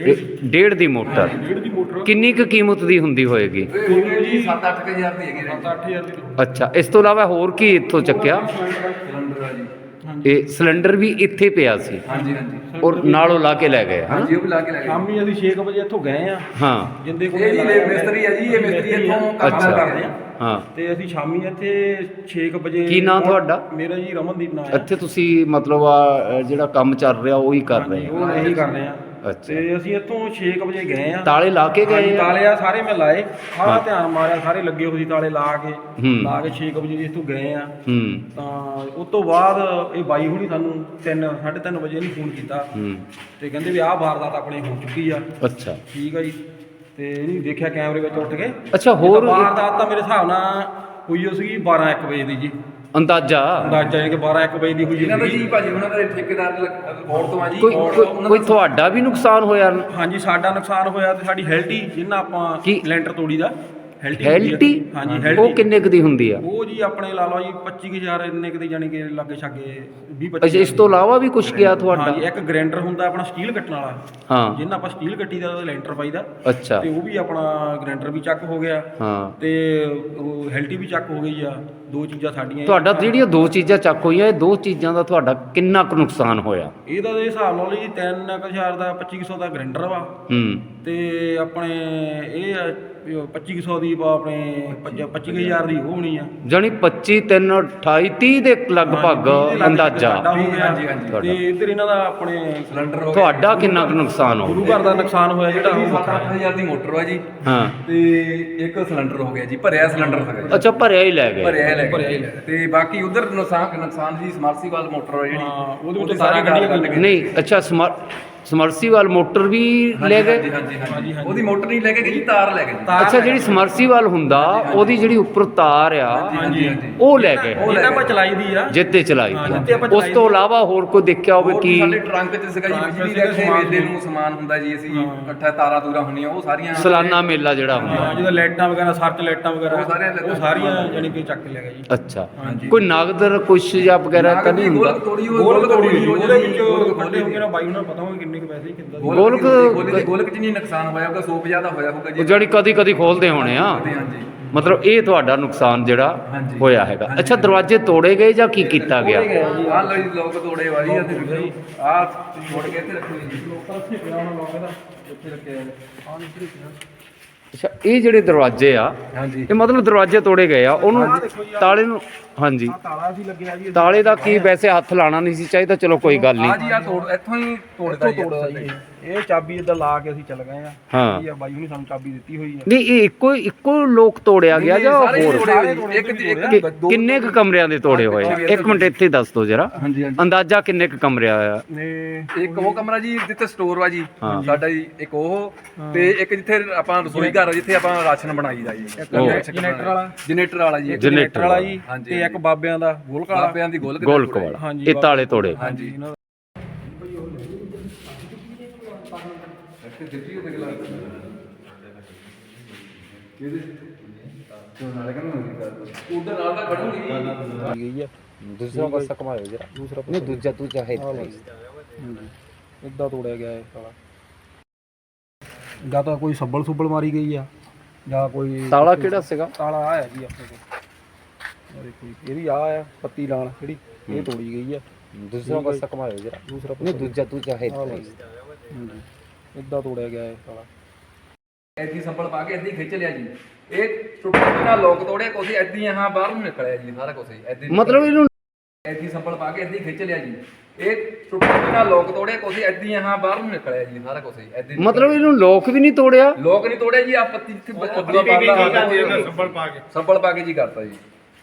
B: 1.5 ਦੀ ਮੋਟਰ?
A: 1.5 ਦੀ ਮੋਟਰ।
B: ਕਿੰਨੀ ਕੁ ਕੀਮਤ ਦੀ ਹੁੰਦੀ ਹੋਏਗੀ?
A: ਜੀ 7-8 ਹਜ਼ਾਰ ਦੀ ਹੈਗੀ। 7-8 ਹਜ਼ਾਰ ਦੀ।
B: ਅੱਛਾ, ਇਸ ਤੋਂ ਇਲਾਵਾ ਹੋਰ ਕੀ ਇੱਥੋਂ ਚੱਕਿਆ?
A: ਸਿਲੰਡਰ ਆ ਜੀ।
B: ਇਹ ਸਿਲੰਡਰ ਵੀ ਇੱਥੇ ਪਿਆ ਸੀ?
A: ਹਾਂਜੀ ਹਾਂਜੀ।
B: ਔਰ ਨਾਲੋਂ ਲਾ ਕੇ ਲੈ ਗਏ?
A: ਹਾਂਜੀ, ਉਹ ਵੀ ਲਾ ਕੇ ਲੈ ਗਏ। ਸ਼ਾਮੀ ਅਸੀਂ 6 ਵਜੇ ਇੱਥੋਂ ਗਏ ਆ।
B: ਹਾਂ।
A: ਜਿੰਦੇ ਕੋਲ ਇਹ ਮਿਸਤਰੀ ਆ ਜੀ, ਇਹ ਮਿਸਤਰੀ ਇੱਥੋਂ ਕੰਮ ਕਰਦੇ ਆ।
B: ਹਾਂ।
A: ਤੇ ਅਸੀਂ ਸ਼ਾਮੀ ਇੱਥੇ 6 ਵਜੇ।
B: ਕੀ ਨਾਂ ਤੁਹਾਡਾ?
A: ਮੇਰਾ ਜੀ ਰਮਨਦੀਪ ਨਾਂ ਹੈ।
B: ਇੱਥੇ ਤੁਸੀਂ ਮਤਲਬ ਜਿਹੜਾ ਕੰਮ ਚੱਲ ਰਿਹਾ ਉਹੀ ਕਰ ਰਹੇ ਆ?
A: ਉਹ ਇਹੀ ਕਰ ਰਹੇ ਆ।
B: ਅੱਛਾ।
A: ਤੇ ਅਸੀਂ ਇੱਥੋਂ 6 ਵਜੇ ਗਏ ਆ।
B: ਤਾਲੇ ਲਾ ਕੇ ਗਏ?
A: ਤਾਲੇ ਆ ਸਾਰੇ ਮੈਂ ਲਾਏ, ਸਾਰਾ ਧਿਆਨ ਮਾਰਿਆ, ਸਾਰੇ ਲੱਗੇ ਹੋਏ ਸੀ ਤਾਲੇ ਲਾ ਕੇ 6 ਵਜੇ ਇੱਥੋਂ ਗਏ ਆ। ਤਾਂ ਉਸ ਤੋਂ ਬਾਅਦ ਇਹ ਬਾਈ ਹੁਣੀ ਸਾਨੂੰ 3-3:30 ਵਜੇ ਇਹਨੂੰ ਫੋਨ ਕੀਤਾ ਤੇ ਕਹਿੰਦੇ ਵੀ ਆਹ ਵਾਰਦਾਤ ਆਪਣੇ ਹੋ ਚੁੱਕੀ ਆ।
B: ਅੱਛਾ,
A: ਠੀਕ ਆ ਜੀ। ਤੇ ਇਹਨੂੰ ਦੇਖਿਆ ਕੈਮਰੇ ਵਿੱਚ ਉੱਠ ਕੇ।
B: ਅੱਛਾ, ਹੋਰ
A: ਵਾਰਦਾਤ ਤਾਂ ਮੇਰੇ ਹਿਸਾਬ ਨਾਲ ਹੋਈ ਹੋ ਸੀਗੀ 12-1 ਵਜੇ ਦੀ ਜੀ।
B: ਅੰਦਾਜ਼ਾ
A: ਹੈ ਕਿ 12-1 ਵਜੇ ਦੀ ਹੋਈ ਜੀ। ਜੀ ਭਾਜੀ ਉਹਨਾਂ ਦਾ ਠੇਕੇਦਾਰ ਕੋਲ ਤੋਂ ਆ ਜੀ।
B: ਕੋਈ ਤੁਹਾਡਾ ਵੀ ਨੁਕਸਾਨ ਹੋਇਆ? ਹਾਂਜੀ,
A: ਸਾਡਾ ਨੁਕਸਾਨ ਹੋਇਆ ਤੇ ਸਾਡੀ ਹੈਲਟੀ ਜਿੰਨਾ ਆਪਾਂ ਲੈਂਟਰ ਤੋੜੀ ਦਾ
B: ਹੈਲਟੀ?
A: ਹਾਂਜੀ, ਹੈਲਟੀ।
B: ਉਹ ਕਿੰਨੇ ਕੁ ਦੀ ਹੁੰਦੀ ਆ?
A: ਉਹ ਜੀ ਆਪਣੇ ਲਾ ਲਓ ਜੀ 25,000 ਇੰਨੇ ਕੁ ਦੀ, ਜਾਨੀ ਕਿ ਲਾਗੇ ਛਾਗੇ 20-25।
B: ਅੱਛਾ, ਇਸ ਤੋਂ ਇਲਾਵਾ ਵੀ ਕੁਝ ਗਿਆ ਤੁਹਾਡਾ?
A: ਹਾਂਜੀ, ਇੱਕ ਗ੍ਰਾਈਂਡਰ ਹੁੰਦਾ ਆਪਣਾ ਸਟੀਲ ਕੱਟਣ ਵਾਲਾ।
B: ਹਾਂ।
A: ਜਿੰਨਾ ਆਪਾਂ ਸਟੀਲ ਕੱਟੀ ਦਾ ਲੈਂਟਰ ਪਾਈਦਾ।
B: ਅੱਛਾ।
A: ਤੇ ਉਹ ਵੀ ਆਪਣਾ ਗ੍ਰਾਈਂਡਰ ਵੀ ਚੱਕ ਹੋ ਗਿਆ। ਹਾਂ। ਤੇ ਉਹ ਹੈਲਟੀ ਵੀ ਚੱਕ ਹੋ ਗਈ ਆ। 2 ਚੀਜ਼ਾਂ ਸਾਡੀਆਂ।
B: ਤੁਹਾਡਾ ਜਿਹੜੀਆਂ 2 ਚੀਜ਼ਾਂ ਚੱਕ ਹੋਈਆਂ, ਇਹ 2 ਚੀਜ਼ਾਂ ਦਾ ਤੁਹਾਡਾ ਕਿੰਨਾ ਕੁ ਨੁਕਸਾਨ ਹੋਇਆ?
A: ਇਹਦਾ ਦੇ ਹਿਸਾਬ ਨਾਲ ਜੀ 3,000 ਦਾ 2500 ਦਾ ਗ੍ਰਾਈਂਡਰ ਵਾ। ਤੇ ਆਪਣੇ ਇਹ 2500 ਦੀ ਆਪਣੇ 25,000 ਦੀ ਉਹ ਹੋਣੀ ਆ। ਜਾਨੀ
B: 25 3 28 30 ਦੇ ਲਗਭਗ ਅੰਦਾਜ਼ਾ।
A: ਤੇ ਇੱਧਰ ਇਹਨਾਂ ਦਾ ਆਪਣੇ ਸਿਲੰਡਰ ਹੋ ਗਿਆ।
B: ਤੁਹਾਡਾ ਕਿੰਨਾ ਕੁ ਨੁਕਸਾਨ ਹੋ ਗਿਆ?
A: ਗੁਰੂ ਘਰ ਦਾ ਨੁਕਸਾਨ ਹੋਇਆ ਜਿਹੜਾ ਉਹ 7-8 ਹਜ਼ਾਰ ਦੀ ਮੋਟਰ ਵਾ ਜੀ। ਹਾਂ। ਤੇ ਇੱਕ ਸਿਲੰਡਰ ਹੋ ਗਿਆ ਜੀ, ਭਰਿਆ ਸਿਲੰਡਰ ਸੀਗਾ।
B: ਅੱਛਾ, ਭਰਿਆ ਹੀ ਲੈ ਗਏ?
A: ਭਰਿਆ ਹੀ ਲੈ। ਤੇ ਬਾਕੀ ਉਧਰ ਨੁਕਸਾਨ ਜੀ ਸਮਰਸੀਬਲ ਮੋਟਰ ਜਿਹੜੀ ਉਹਦੇ ਵਿੱਚ ਸਾਰੀ ਗੱਡੀਆਂ
B: ਨਹੀਂ। ਅੱਛਾ,
C: ਸਮਰਸੀਵਾਲ ਮੋਟਰ ਵੀ ਲੈ ਗਏ?
A: ਹਾਂਜੀ ਉਹਦੀ ਮੋਟਰ ਨਹੀਂ ਲੈ ਕੇ ਗਏ ਜੀ, ਤਾਰ ਲੈ ਗਏ ਜੀ।
C: ਅੱਛਾ, ਜਿਹੜੀ ਸਮਰਸੀਵਾਲ ਹੁੰਦਾ ਉਹਦੀ ਜਿਹੜੀ ਉੱਪਰ ਤਾਰ ਆ ਉਹ ਲੈ ਗਏ,
D: ਇਹ ਤਾਂ ਆਪਾਂ ਚਲਾਈ ਦੀ ਆ।
C: ਜਿੱਤੇ ਚਲਾਈ
D: ਜਿੱਤੇ ਆਪਾਂ
C: ਉਸ ਤੋਂ ਇਲਾਵਾ ਹੋਰ ਕੋਈ ਦੇਖਿਆ ਹੋਵੇ
A: ਹੋਰ
C: ਕੀ?
A: ਸਾਡੇ ਟਰੰਕ 'ਚ ਸੀਗਾ ਜੀ, ਬਿਜਲੀ ਦਾ ਇੱਥੇ ਮੇਲੇ ਨੂੰ ਸਮਾਨ ਹੁੰਦਾ ਜੀ, ਅਸੀਂ ਇਕੱਠਾ ਤਾਰਾਂ ਤੂਰਾਂ ਹੁੰਦੀਆਂ ਉਹ ਸਾਰੀਆਂ
C: ਸਾਲਾਨਾ ਮੇਲਾ ਜਿਹੜਾ ਹੁੰਦਾ।
D: ਹਾਂ, ਜਿਹਦਾ ਲਾਈਟਾਂ ਵਗੈਰਾ, ਸਰਚ ਲਾਈਟਾਂ ਵਗੈਰਾ
A: ਉਹ
D: ਸਾਰੀਆਂ ਜਾਨੀ ਕਿ ਚੱਕ ਕੇ ਲੈ ਗਿਆ ਜੀ।
C: ਅੱਛਾ, ਕੋਈ ਨਗਦ ਕੁਛ ਜਾਂ ਵਗੈਰਾ ਤਾਂ ਨਹੀਂ ਹੁੰਦਾ?
A: ਗੋਲਕ ਤੋੜੀ
D: ਉਹਦੇ ਵਿੱਚ ਖੋਲੇ ਹੋਗੇ ਨਾ ਬਾਈ ਉਹਨਾਂ ਨੂੰ ਪਤਾ ਹੋਵੇ ਕਿੰਨੇ ਕੁ ਪੈਸੇ ਕਿੰਦਾ
A: ਗੋਲਕ 'ਚ ਨਹੀਂ ਨੁਕਸਾਨ ਹੋਇਆ ਹੋਊਗਾ, 100 ਜ਼ਿਆਦਾ ਹੋਇਆ ਹੋਊਗਾ ਜੀ।
C: ਉਹ ਜਿਹੜੀ ਕਦੀ ਕਦੀ ਖੋਲਦੇ ਹੋਣੇ ਆ,
A: ਹਾਂਜੀ
C: ਮਤਲਬ ਇਹ ਤੁਹਾਡਾ ਨੁਕਸਾਨ ਜਿਹੜਾ ਹੋਇਆ ਹੈਗਾ। ਅੱਛਾ, ਦਰਵਾਜ਼ੇ ਤੋੜੇ ਗਏ ਜਾਂ ਕੀ ਕੀਤਾ ਗਿਆ?
A: ਆਹ ਲੋ ਜੀ ਲੋਕ ਤੋੜੇ ਵਾਲੀ ਆ ਤੇ ਆਹ ਛੋੜ ਕੇ ਇੱਥੇ ਰੱਖੋ ਜੀ। ਇੱਥੇ ਰੱਖਿਆ
C: ਅੱਛਾ, ਇਹ ਜਿਹੜੇ ਦਰਵਾਜ਼ੇ ਆ
A: ਹਾਂਜੀ
C: ਇਹ ਮਤਲਬ ਦਰਵਾਜ਼ੇ ਤੋੜੇ ਗਏ ਆ, ਉਹਨੂੰ ਤਾਲੇ ਨੂੰ, ਹਾਂਜੀ
D: ਤਾਲਾ ਸੀ ਲੱਗਿਆ ਜੀ।
C: ਤਾਲੇ ਦਾ ਕੀ ਵੈਸੇ ਹੱਥ ਲਾਣਾ ਨਹੀਂ ਸੀ ਚਾਹੀਦਾ, ਚਲੋ ਕੋਈ ਗੱਲ
A: ਆ
C: ਨਹੀਂ।
A: ਜੀ ਆ ਤੋੜ ਇੱਥੋਂ ਹੀ ਤੋੜਦਾ ਜੀ।
D: ਇਹ ਚਾਬੀ ਇਦਾਂ ਲਾ ਕੇ ਅਸੀਂ ਚੱਲ ਗਏ ਆ।
C: ਹਾਂ,
D: ਇਹ ਬਾਈ ਹੁਣੀ ਸਾਨੂੰ ਚਾਬੀ ਦਿੱਤੀ ਹੋਈ ਆ।
C: ਨਹੀਂ ਇਹ ਇੱਕੋ ਲੋਕ ਤੋੜਿਆ ਗਿਆ ਜਾਂ
A: ਸਾਰੇ
C: ਹੋਰ?
A: ਤੋੜੇ ਹੋਏ ਜੀ। ਇੱਕ
C: ਕਿੰਨੇ ਕੁ ਕਮਰਿਆਂ ਦੇ ਤੋੜੇ ਹੋਏ ਆ? ਇੱਕ ਮਿੰਟ ਇੱਥੇ ਦੱਸ ਦਿਓ ਜਰਾ,
A: ਹਾਂਜੀ ਹਾਂਜੀ
C: ਅੰਦਾਜ਼ਾ ਕਿੰਨੇ ਕੁ ਕਮਰਿਆਂ ਆ?
D: ਨੇ
A: ਇੱਕ ਉਹ ਕਮਰਾ ਜੀ ਜਿੱਥੇ ਸਟੋਰ ਵਾ ਜੀ
C: ਹਾਂ।
A: ਸਾਡਾ ਜੀ, ਇੱਕ ਉਹ ਤੇ ਇੱਕ ਜਿੱਥੇ ਆਪਾਂ ਰਸੋਈ ਘਰ ਆ ਜਿੱਥੇ ਆਪਾਂ ਰਾਸ਼ਨ ਬਣਾਈਦਾ ਜੀ।
D: ਜਨਰੇਟਰ ਵਾਲਾ
A: ਜੀ
C: ਜਨਰੇਟਰ
D: ਵਾਲਾ ਜੀ।
A: ਹਾਂਜੀ।
D: ਤੇ ਇੱਕ ਬਾਬਿਆਂ ਦਾ ਗੋਲਕ ਵਾਲਾ।
A: ਬਾਬਿਆਂ ਦੀ ਗੋਲਕ
C: ਗੋਲਕ ਵਾਲਾ,
D: ਹਾਂਜੀ,
C: ਇਹ ਤਾਲੇ ਤੋੜੇ।
A: ਹਾਂਜੀ ਉਧਰ ਨਾਲ ਤਾਂ ਖੜੂਗੀ
D: ਗਈ ਆ।
C: ਦੂਸਰਾ ਪਾਸਾ ਘਮਾਇਓ ਜਰਾ, ਨਹੀਂ ਦੂਜਾ ਹੈ
D: ਇਦਾਂ ਤੋੜਿਆ ਗਿਆ ਇਹ ਤਾਲਾ। ਜਾਂ ਤਾਂ ਕੋਈ ਸੱਬਲ ਸੁੱਬਲ ਮਾਰੀ ਗਈ ਆ ਜਾਂ ਕੋਈ
C: ਤਾਲਾ ਕਿਹੜਾ ਸੀਗਾ?
D: ਤਾਲਾ ਆਇਆ ਜੀ ਆਪਣੇ ਕੋਲ। ਦੇਖੋ ਜੀ, ਇਹ ਵੀ ਆ ਪੱਤੀ ਲਾਲ ਜਿਹੜੀ ਇਹ ਤੋੜੀ ਗਈ ਆ।
C: ਦੂਸਰਾ ਪਾਸਾ ਘਮਾਇਓ ਜਰਾ,
D: ਦੂਸਰਾ
C: ਨਹੀਂ ਦੂਜਾ ਹੈ
D: ਇਦਾਂ ਤੋੜਿਆ ਗਿਆ ਇਹ ਤਾਲਾ।
A: ਐਦੀ ਸੰਭਲ ਪਾ ਕੇ ਐਦੀ ਖਿੱਚ ਲਿਆ ਜੀ। ਇਹ ਟੁੱਟੇ ਨਾਲ ਲੋਕ ਤੋੜੇ ਕੋਸੀ ਐਦੀ ਹਾਂ ਬਾਹਰ ਨੂੰ ਨਿਕਲਿਆ ਜੀ ਸਾਰਾ ਕੁਝ ਐਦੀ
C: ਮਤਲਬ ਇਹਨੂੰ
A: ਐਦੀ ਸੰਭਲ ਪਾ ਕੇ ਐਦੀ ਖਿੱਚ ਲਿਆ ਜੀ। ਇਹ ਟੁੱਟੇ ਨਾਲ ਲੋਕ ਤੋੜੇ ਕੋਸੀ ਐਦੀ ਹਾਂ ਬਾਹਰ ਨੂੰ ਨਿਕਲਿਆ ਜੀ ਸਾਰਾ ਕੁਝ ਐਦੀ
C: ਮਤਲਬ ਇਹਨੂੰ ਲੋਕ ਵੀ ਨਹੀਂ ਤੋੜਿਆ?
A: ਲੋਕ ਨਹੀਂ ਤੋੜੇ ਜੀ, ਆ ਪੱਤੀ ਜਿੱਥੇ ਸੰਭਲ ਪਾ ਕੇ ਜੀ ਕਰਤਾ ਜੀ।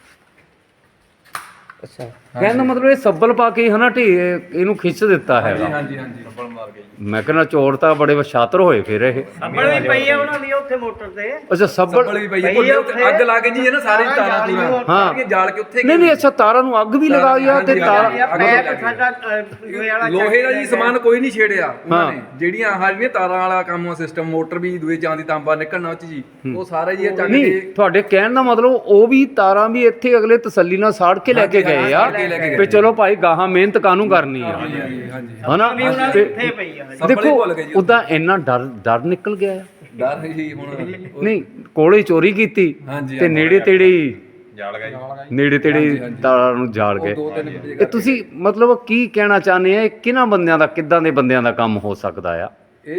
C: ਅੱਛਾ, ਕਹਿਣ ਦਾ ਮਤਲਬ ਇਹ ਸੱਬਲ ਪਾ ਕੇ ਹਨਾ ਇਹਨੂੰ ਖਿੱਚ ਦਿੱਤਾ ਹੈਗਾ।
A: ਹਾਂਜੀ ਸੰਭਲ ਮਾਰ ਕੇ ਜੀ।
C: ਮੈਂ ਕਹਿੰਦਾ ਚੋਰ ਤਾਂ ਬੜੇ ਸ਼ਾਤਰ ਹੋਏ ਫਿਰ ਇਹ।
E: ਸੱਬਲ ਵੀ ਪਈ ਆ ਉਹਨਾਂ ਦੀ ਉੱਥੇ ਮੋਟਰ ਤੇ।
C: ਅੱਛਾ,
A: ਸੰਭਲ ਵੀ ਪਈ ਹੈ ਉੱਥੇ ਅੱਗ ਲਾ ਕੇ ਜੀ ਇਹ ਨਾ ਸਾਰੇ ਤਾਰਾਂ ਪੂਰਾ
C: ਹਾਂ
A: ਜਾਲ ਕੇ ਉੱਥੇ
C: ਨਹੀਂ ਅੱਛਾ, ਤਾਰਾਂ ਨੂੰ ਅੱਗ ਵੀ ਲਗਾਈ ਆ ਤੇ ਤਾਰਾਂ
E: ਪੈਪ ਸਾਡਾ ਲੋਹੇ ਵਾਲਾ
A: ਲੋਹੇ ਦਾ ਜੀ ਸਮਾਨ ਕੋਈ ਨਹੀਂ ਛੇੜਿਆ ਉਹਨਾਂ ਨੇ। ਜਿਹੜੀਆਂ ਆਹ ਜਿਹੜੀਆਂ ਤਾਰਾਂ ਵਾਲਾ ਕੰਮ ਸਿਸਟਮ ਮੋਟਰ ਵੀ ਦੂਏ ਚਾਂਦੀ ਤਾਂਬਾ ਨਿਕਲਣਾ ਉੱਚ ਜੀ, ਉਹ ਸਾਰਾ ਜੀ ਚੱਕ
C: ਨਹੀਂ,
A: ਕੇ
C: ਤੁਹਾਡੇ ਕਹਿਣ ਦਾ ਮਤਲਬ ਉਹ ਵੀ ਤਾਰਾਂ ਵੀ ਇੱਥੇ ਅਗਲੇ ਤਸੱਲੀ ਨਾਲ ਸਾੜ ਕੇ ਲੈ ਕੇ ਗਏ ਆ ਵੀ ਚਲੋ ਭਾਈ ਗਾਹਾਂ ਮਿਹਨਤ ਕਾਹਨੂੰ ਕਰਨੀ ਆ, ਹਨਾ? ਤੇ
E: ਇੱਥੇ ਪਈ ਆ।
C: ਦੇਖੋ ਉਦਾਂ ਇੰਨਾ ਡਰ ਨਿਕਲ ਗਿਆ ਆ।
A: ਡਰ ਹੀ ਹੁਣ
C: ਨਹੀਂ, ਕੋਲੇ ਚੋਰੀ ਕੀਤੀ ਤੇ ਨੇੜੇ ਤੇੜੇ ਨੇੜੇ ਤੇੜੇ ਤਾਰਾਂ ਨੂੰ ਜਾਲ ਗਏ। ਇਹ ਤੁਸੀਂ ਮਤਲਬ ਕੀ ਕਹਿਣਾ ਚਾਹੁੰਦੇ ਆ? ਇਹ ਕਿਹਨਾਂ ਬੰਦਿਆਂ ਦਾ, ਕਿੱਦਾਂ ਦੇ ਬੰਦਿਆਂ ਦਾ ਕੰਮ ਹੋ ਸਕਦਾ ਆ?